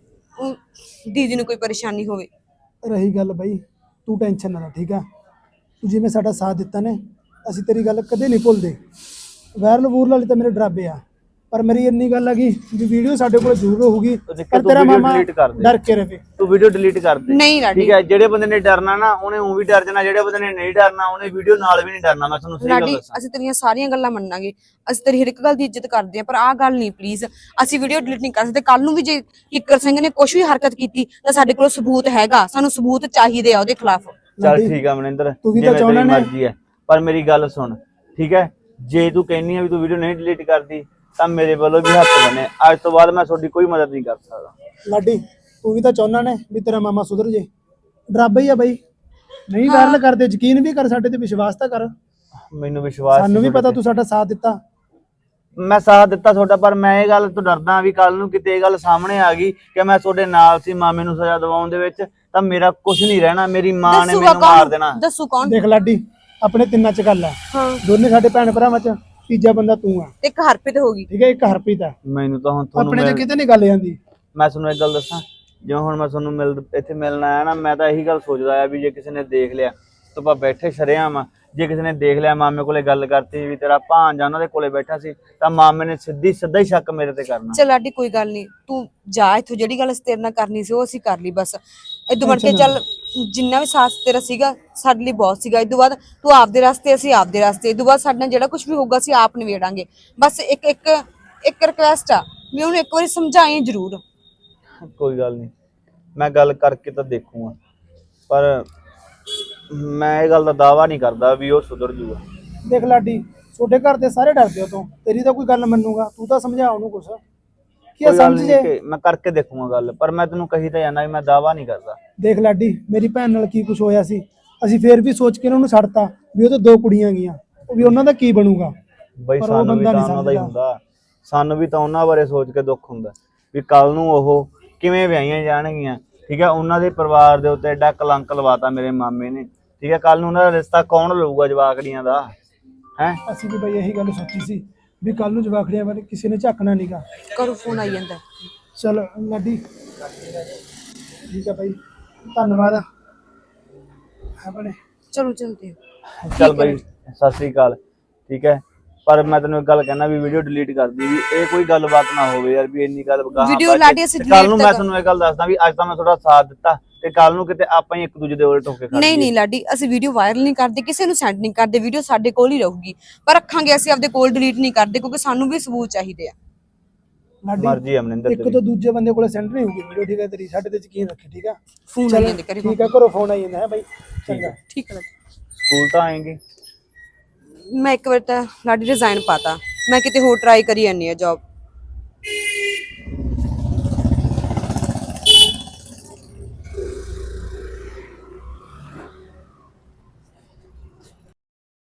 Speaker 8: ਦੀਦੀ ਨੂੰ ਕੋਈ ਪਰੇਸ਼ਾਨੀ ਹੋਵੇ।
Speaker 7: ਰਹੀ ਗੱਲ ਬਾਈ, ਤੂੰ ਟੈਨਸ਼ਨ ਨਾ ਲੈ, ਠੀਕ ਆ? ਤੂੰ ਜਿਵੇਂ ਸਾਡਾ ਸਾਥ ਦਿੱਤਾ ਨੇ, ਅਸੀਂ ਤੇਰੀ ਗੱਲ ਕਦੇ ਨਹੀਂ ਭੁੱਲਦੇ। ਵਾਇਰਲ ਵੂਰਲ ਵਾਲੀ ਤਾਂ ਮੇਰੇ ਡਰਾਬੇ ਆ, ਪਰ ਮੇਰੀ ਇੰਨੀ ਗੱਲ ਹੈਗੀ ਵੀ ਵੀਡੀਓ ਸਾਡੇ ਕੋਲ ਜ਼ਰੂਰ ਹੋਊਗੀ, ਪਰ ਤੇਰਾ ਮਾਮਾ ਡਰ ਕੇ ਰਵੇ।
Speaker 1: ਤੂੰ ਵੀਡੀਓ ਡਿਲੀਟ ਕਰ ਦੇ,
Speaker 8: ਨਹੀਂ ਲਾਡੀ,
Speaker 1: ਠੀਕ ਹੈ? ਜਿਹੜੇ ਬੰਦੇ ਨੇ ਡਰਨਾ ਨਾ ਉਹਨੇ ਉਹ ਵੀ ਡਰ ਜਾਣਾ, ਜਿਹੜੇ ਬੰਦੇ ਨੇ ਨਹੀਂ ਡਰਨਾ ਉਹਨੇ ਵੀਡੀਓ ਨਾਲ ਵੀ ਨਹੀਂ ਡਰਨਾ। ਮੈਂ ਤੁਹਾਨੂੰ ਸਹੀ ਗੱਲ
Speaker 8: ਲਾਡੀ
Speaker 1: ਦੱਸਾਂ,
Speaker 8: ਅਸੀਂ ਤੇਰੀਆਂ ਸਾਰੀਆਂ ਗੱਲਾਂ ਮੰਨਾਂਗੇ, ਅਸੀਂ ਤੇਰੀ ਹਰ ਇੱਕ ਗੱਲ ਦੀ ਇੱਜ਼ਤ ਕਰਦੇ ਆ, ਪਰ ਆਹ ਗੱਲ ਨਹੀਂ ਪਲੀਜ਼, ਅਸੀਂ ਵੀਡੀਓ ਡਿਲੀਟ ਨਹੀਂ ਕਰ ਸਕਦੇ। ਕੱਲ ਨੂੰ ਵੀ ਜੇ ਕਿੱਕਰ ਸਿੰਘ ਨੇ ਕੁਝ ਵੀ ਹਰਕਤ ਕੀਤੀ ਤਾਂ ਸਾਡੇ ਕੋਲ ਸਬੂਤ ਹੈਗਾ, ਸਾਨੂੰ ਸਬੂਤ ਚਾਹੀਦੇ ਆ ਉਹਦੇ ਖਿਲਾਫ।
Speaker 1: ਚੱਲ ਠੀਕ ਆ ਮਨਿੰਦਰ,
Speaker 7: ਤੂੰ ਵੀ ਤਾਂ
Speaker 1: ਜਿਵੇਂ
Speaker 7: ਚਾਹੁੰਦਾ
Speaker 1: ਤੇਰੀ
Speaker 7: ਨਾ।
Speaker 1: ਮਰਜ਼ੀ ਹੈ, ਪਰ ਮੇਰੀ ਗੱਲ ਸੁਣ, ਠੀਕ ਹੈ? ਜੇ ਤੂੰ ਕਹਿੰਦੀ ਆ ਵੀ ਤੂੰ ਵੀਡੀਓ ਨਹੀਂ ਡਿਲੀਟ ਕਰਦੀ ਤਾਂ ਮੇਰੇ ਵੱਲੋਂ ਵੀ ਹੱਥ ਬਣੇ, ਅੱਜ ਤੋਂ ਬਾਅਦ ਮੈਂ ਤੁਹਾਡੀ ਕੋਈ ਮਦਦ ਨਹੀਂ ਕਰ ਸਕਦਾ।
Speaker 7: ਲਾਡੀ ਤੂੰ ਵੀ ਤਾਂ ਚਾਹੁੰਦਾ ਨੇ ਵੀ ਤੇਰਾ ਮਾਮਾ ਸੁਧਰ ਜੇ, ਡਰਾਬਾ ਹੀ ਆ ਬਾਈ। ਨਹੀਂ ਵਾਇਰਲ ਕਰਦੇ, ਯਕੀਨ ਵੀ ਕਰ, ਸਾਡੇ ਤੇ ਵਿਸ਼ਵਾਸ ਤਾਂ ਕਰ।
Speaker 1: ਮੈਨੂੰ ਵਿਸ਼ਵਾਸ
Speaker 7: ਸਾਨੂੰ ਵੀ
Speaker 1: ਸੀ
Speaker 7: ਪਤਾ
Speaker 1: ਤੁਹਾਡੇ
Speaker 7: ਤੂੰ ਸਾਡਾ ਸਾਥ ਦਿੱਤਾ।
Speaker 1: ਮੈਂ ਸਾਥ ਦਿੱਤਾ ਤੁਹਾਡਾ, ਪਰ ਮੈਂ ਇਹ ਗੱਲ ਤੋਂ ਡਰਦਾ ਵੀ ਕੱਲ ਨੂੰ ਕਿਤੇ ਇਹ ਗੱਲ ਸਾਹਮਣੇ ਆ ਗਈ ਕਿ ਮੈਂ ਤੁਹਾਡੇ ਨਾਲ ਸੀ ਮਾਮੇ ਨੂੰ ਸਜ਼ਾ ਦਿਵਾਉਣ ਦੇ ਵਿੱਚ, ਤਾਂ ਮੇਰਾ ਕੁਝ ਨਹੀਂ ਰਹਿਣਾ, ਮੇਰੀ ਮਾਂ ਨੇ
Speaker 8: ਦੱਸੂਗਾ
Speaker 1: ਮੈਨੂੰ ਮਾਰ
Speaker 8: ਕੌਣ?
Speaker 1: ਦੇਣਾ।
Speaker 8: ਦੱਸੂ ਕੌਣ?
Speaker 7: ਦੇਖ ਲਾਡੀ, ਆਪਣੇ ਤਿੰਨਾਂ ਚ ਗੱਲ ਆ,
Speaker 8: ਹਾਂ,
Speaker 7: ਦੋਨੇ ਸਾਡੇ ਭੈਣ ਭਰਾਵਾਂ ਚ ਤੀਜਾ ਬੰਦਾ ਤੂੰ ਆ,
Speaker 8: ਤੇ ਇੱਕ ਹਰਪ੍ਰੀਤ ਹੋਗੀ।
Speaker 7: ਠੀਕ ਹੈ? ਇੱਕ ਹਰਪ੍ਰੀਤ ਆ,
Speaker 1: ਮੈਨੂੰ ਤਾਂ ਹੁਣ ਤੁਹਾਨੂੰ
Speaker 7: ਆਪਣੇ ਚ ਕਿਤੇ ਨਹੀਂ ਗੱਲ ਜਾਂਦੀ।
Speaker 1: ਮੈਂ ਤੁਹਾਨੂੰ ਇੱਕ ਗੱਲ ਦੱਸਾਂ, ਜਿਵੇਂ ਹੁਣ ਮੈਂ ਤੁਹਾਨੂੰ ਇੱਥੇ ਮਿਲਣ ਆਇਆ ਨਾ, ਮੈਂ ਤਾਂ ਇਹੀ ਗੱਲ ਸੋਚਦਾ ਆ ਵੀ ਜੇ ਕਿਸੇ ਨੇ ਦੇਖ ਲਿਆ ਤਾਂ ਆਪਾਂ ਬੈਠੇ ਸ਼ਰੇਆਮ ਆ, ਜੇ ਕਿਸੇ ਨੇ ਦੇਖ ਲਿਆ ਮਾਮੇ ਕੋਲੇ ਗੱਲ ਕਰਤੀ ਵੀ ਤੇਰਾ ਭਾਂਜਾ ਉਹਨਾਂ ਦੇ ਕੋਲੇ ਬੈਠਾ ਸੀ, ਤਾਂ ਮਾਮੇ ਨੇ ਸਿੱਧਾ ਹੀ ਸ਼ੱਕ ਮੇਰੇ ਤੇ ਕਰਨਾ।
Speaker 8: ਚੱਲ ਲਾਡੀ ਕੋਈ ਗੱਲ ਨਹੀਂ, ਤੂੰ ਜਾ ਇੱਥੋਂ, ਜਿਹੜੀ ਗੱਲ ਅਸੀਂ ਤੇਰੇ ਨਾਲ ਕਰਨੀ ਸੀ ਉਹ ਅਸੀਂ ਕਰ ਲਈ ਬਸ। ਇਦੋਂ ਮੁੜ ਕੇ ਚੱਲ, ਜਿੰਨਾ ਵੀ ਸਾਥ ਤੇਰਾ ਸੀਗਾ ਸਾਡੇ ਲਈ ਬਹੁਤ ਸੀਗਾ। ਇਦੋਂ ਬਾਅਦ ਤੂੰ ਆਪਦੇ ਰਸਤੇ, ਅਸੀਂ ਆਪਦੇ ਰਸਤੇ। ਇਦੋਂ ਬਾਅਦ ਸਾਡੇ ਨਾਲ ਜਿਹੜਾ ਕੁਝ ਵੀ ਹੋਊਗਾ ਅਸੀਂ ਆਪ ਨਿਬੇੜਾਂਗੇ। ਬਸ ਇੱਕ ਰਿਕਵੈਸਟ ਆ ਵੀ ਉਹਨੂੰ ਇੱਕ ਵਾਰੀ ਸਮਝਾਈ ਜ਼ਰੂਰ।
Speaker 1: ਕੋਈ ਗੱਲ ਨਹੀਂ, ਮੈਂ ਗੱਲ ਕਰਕੇ ਤਾਂ ਦੇਖੂਗਾ, ਪਰ ਮੈਂ ਇਹ ਗੱਲ ਦਾ ਦਾਅਵਾ ਨਹੀਂ ਕਰਦਾ ਵੀ ਉਹ ਸੁਧਰ ਜੂਗਾ।
Speaker 7: ਦੇਖ ਲਾਡੀ, ਤੁਹਾਡੇ ਘਰ ਦੇ ਸਾਰੇ ਡਰਦੇ ਹੋ ਤੋਂ, ਤੇਰੀ ਤਾਂ ਕੋਈ ਗੱਲ ਮੰਨੂਗਾ, ਤੂੰ ਤਾਂ ਸਮਝਾ ਉਹਨੂੰ ਕੁਛ ਕੀ
Speaker 1: ਕੋਈ ਗੱਲ
Speaker 7: ਸਮਝ
Speaker 1: ਨੀ
Speaker 7: ਜੇ।
Speaker 1: ਕਿ ਮੈਂ ਕਰਕੇ ਦੇਖੂਗਾ ਗੱਲ, ਪਰ ਮੈਂ ਤੈਨੂੰ ਕਹੀ ਤਾਂ ਜਾਂਦਾ ਵੀ ਮੈਂ ਦਾਅਵਾ ਨਹੀਂ ਕਰਦਾ।
Speaker 7: ਦੇਖ ਲਾਡੀ, ਮੇਰੀ ਭੈਣ ਨਾਲ ਕੀ ਕੁਛ ਹੋਇਆ ਸੀ, ਅਸੀਂ ਫੇਰ ਵੀ ਸੋਚ ਕੇ ਉਹਨੂੰ ਛੱਡਤਾ ਵੀ ਉਹ ਤਾਂ 2 ਕੁੜੀਆਂ ਗਈਆਂ, ਉਹ ਵੀ ਉਹਨਾਂ ਦਾ ਕੀ ਬਣੂਗਾ।
Speaker 1: ਬਈ
Speaker 7: ਪਰ ਉਹ
Speaker 1: ਸਾਨੂੰ ਵੀ
Speaker 7: ਬੰਦਾ
Speaker 1: ਤਾਂ
Speaker 7: ਨਹੀਂ
Speaker 1: ਉਹਨਾਂ ਦਾ ਹੀ
Speaker 7: ਸਮਝਦਾ।
Speaker 1: ਹੁੰਦਾ, ਸਾਨੂੰ ਵੀ ਤਾਂ ਉਹਨਾਂ ਬਾਰੇ ਸੋਚ ਕੇ ਦੁੱਖ ਹੁੰਦਾ ਵੀ ਕੱਲ ਨੂੰ ਉਹ ਕਿਵੇਂ ਵਿਆਹੀਆਂ ਜਾਣਗੀਆਂ, ਠੀਕ ਹੈ? ਉਹਨਾਂ ਦੇ ਪਰਿਵਾਰ ਦੇ ਉੱਤੇ ਐਡਾ ਕਲੰਕ ਲਵਾਤਾ ਮੇਰੇ ਮਾਮੇ ਨੇ, ਠੀਕ ਹੈ? ਕੱਲ ਨੂੰ ਉਹਨਾਂ ਦਾ ਰਿਸ਼ਤਾ ਕੌਣ ਲਊਗਾ ਜਵਾਕੜੀਆਂ ਦਾ, ਹੈ?
Speaker 7: ਅਸੀਂ ਵੀ ਬਈ ਇਹੀ ਗੱਲ ਸੋਚੀ ਸੀ ਵੀ ਕੱਲ ਨੂੰ ਜਵਾਖੜੀਆਂ ਬਾਰੇ ਕਿਸੇ ਨੇ ਝਾਕਣਾ ਨਹੀਂਗਾ।
Speaker 8: ਕਰੋ, ਫੋਨ ਆਈ ਜਾਂਦਾ।
Speaker 7: ਚਲ ਲਾਡੀ, ਠੀਕ ਹੈ ਬਾਈ, ਧੰਨਵਾਦ ਆਪਣੇ।
Speaker 8: ਚਲੋ ਚਲਦੇ।
Speaker 1: ਚੱਲ ਬਈ, ਸਤਿ ਸ੍ਰੀ ਅਕਾਲ, ਠੀਕ ਹੈ? ਪਰ ਮੈਂ ਤੈਨੂੰ ਇੱਕ ਗੱਲ ਕਹਿਣਾ ਵੀ ਵੀਡੀਓ ਡਿਲੀਟ ਕਰ ਦੀ, ਵੀ ਇਹ ਕੋਈ ਗੱਲਬਾਤ ਨਾ ਹੋਵੇ ਯਾਰ, ਵੀ ਇੰਨੀ ਗੱਲ
Speaker 8: ਵੀਡੀਓ ਲਾਡੀ ਅਸੀਂ
Speaker 1: ਕੱਲ ਨੂੰ
Speaker 8: delete
Speaker 1: ਮੈਂ
Speaker 8: ਤਾਂ
Speaker 1: ਤੁਹਾਨੂੰ ਇਹ ਗੱਲ ਦੱਸਦਾ ਵੀ ਅੱਜ ਤਾਂ ਮੈਂ ਤੁਹਾਡਾ ਸਾਥ ਦਿੱਤਾ ਤੇ ਕੱਲ ਨੂੰ ਕਿਤੇ ਆਪਾਂ ਹੀ ਇੱਕ ਦੂਜੇ ਦੇ ਉਲਟ ਹੋ ਕੇ ਖੜ
Speaker 8: ਨਹੀਂ
Speaker 1: ਜਾਈਏ।
Speaker 8: ਨਹੀਂ ਲਾਡੀ, ਅਸੀਂ ਵੀਡੀਓ ਵਾਇਰਲ ਨਹੀਂ ਕਰਦੇ, ਕਿਸੇ ਨੂੰ ਸੈਂਡ ਨਹੀਂ ਕਰਦੇ, ਵੀਡੀਓ ਸਾਡੇ ਕੋਲ ਹੀ ਰਹੂਗੀ, ਪਰ ਰੱਖਾਂਗੇ ਅਸੀਂ ਆਪਦੇ ਕੋਲ, ਡਿਲੀਟ ਨਹੀਂ ਕਰਦੇ ਕਿਉਂਕਿ ਸਾਨੂੰ ਵੀ ਸਬੂਤ ਚਾਹੀਦੇ ਆ।
Speaker 7: ਲਾਡੀ
Speaker 1: ਮਰਜ਼ੀ ਆ ਮਨਿੰਦਰ
Speaker 7: ਇੱਕ
Speaker 1: ਤੇਰੀ।
Speaker 7: ਤੋਂ ਦੂਜੇ ਬੰਦੇ ਕੋਲੇ ਸੈਂਡ ਨਹੀਂ ਹੋਊਗੀ ਵੀਡੀਓ, ਠੀਕ ਹੈ ਤੇਰੀ, ਸਾਡੇ ਤੇ ਯਕੀਨ ਰੱਖੀ, ਠੀਕ ਹੈ।
Speaker 8: ਫੋਨ
Speaker 7: ਚੱਲ,
Speaker 8: ਆਈ ਜਾਂਦੇ ਘਰੇ
Speaker 7: ਠੀਕ ਹੈ, ਘਰੋਂ ਫੋਨ ਆਈ ਜਾਂਦਾ ਹੈ ਬਾਈ, ਚੰਗਾ।
Speaker 8: ਠੀਕ ਹੈ
Speaker 1: ਸਕੂਲ ਤਾਂ ਆਏਂਗੇ।
Speaker 8: ਮੈਂ ਇੱਕ ਵਾਰ ਤਾਂ ਲਾਡੀ ਰਿਜ਼ਾਈਨ ਪਾਤਾ, ਮੈਂ ਕਿਤੇ ਹੋਰ ਟਰਾਈ ਕਰੀ ਜਾਂਦੀ ਆ ਜੌਬ।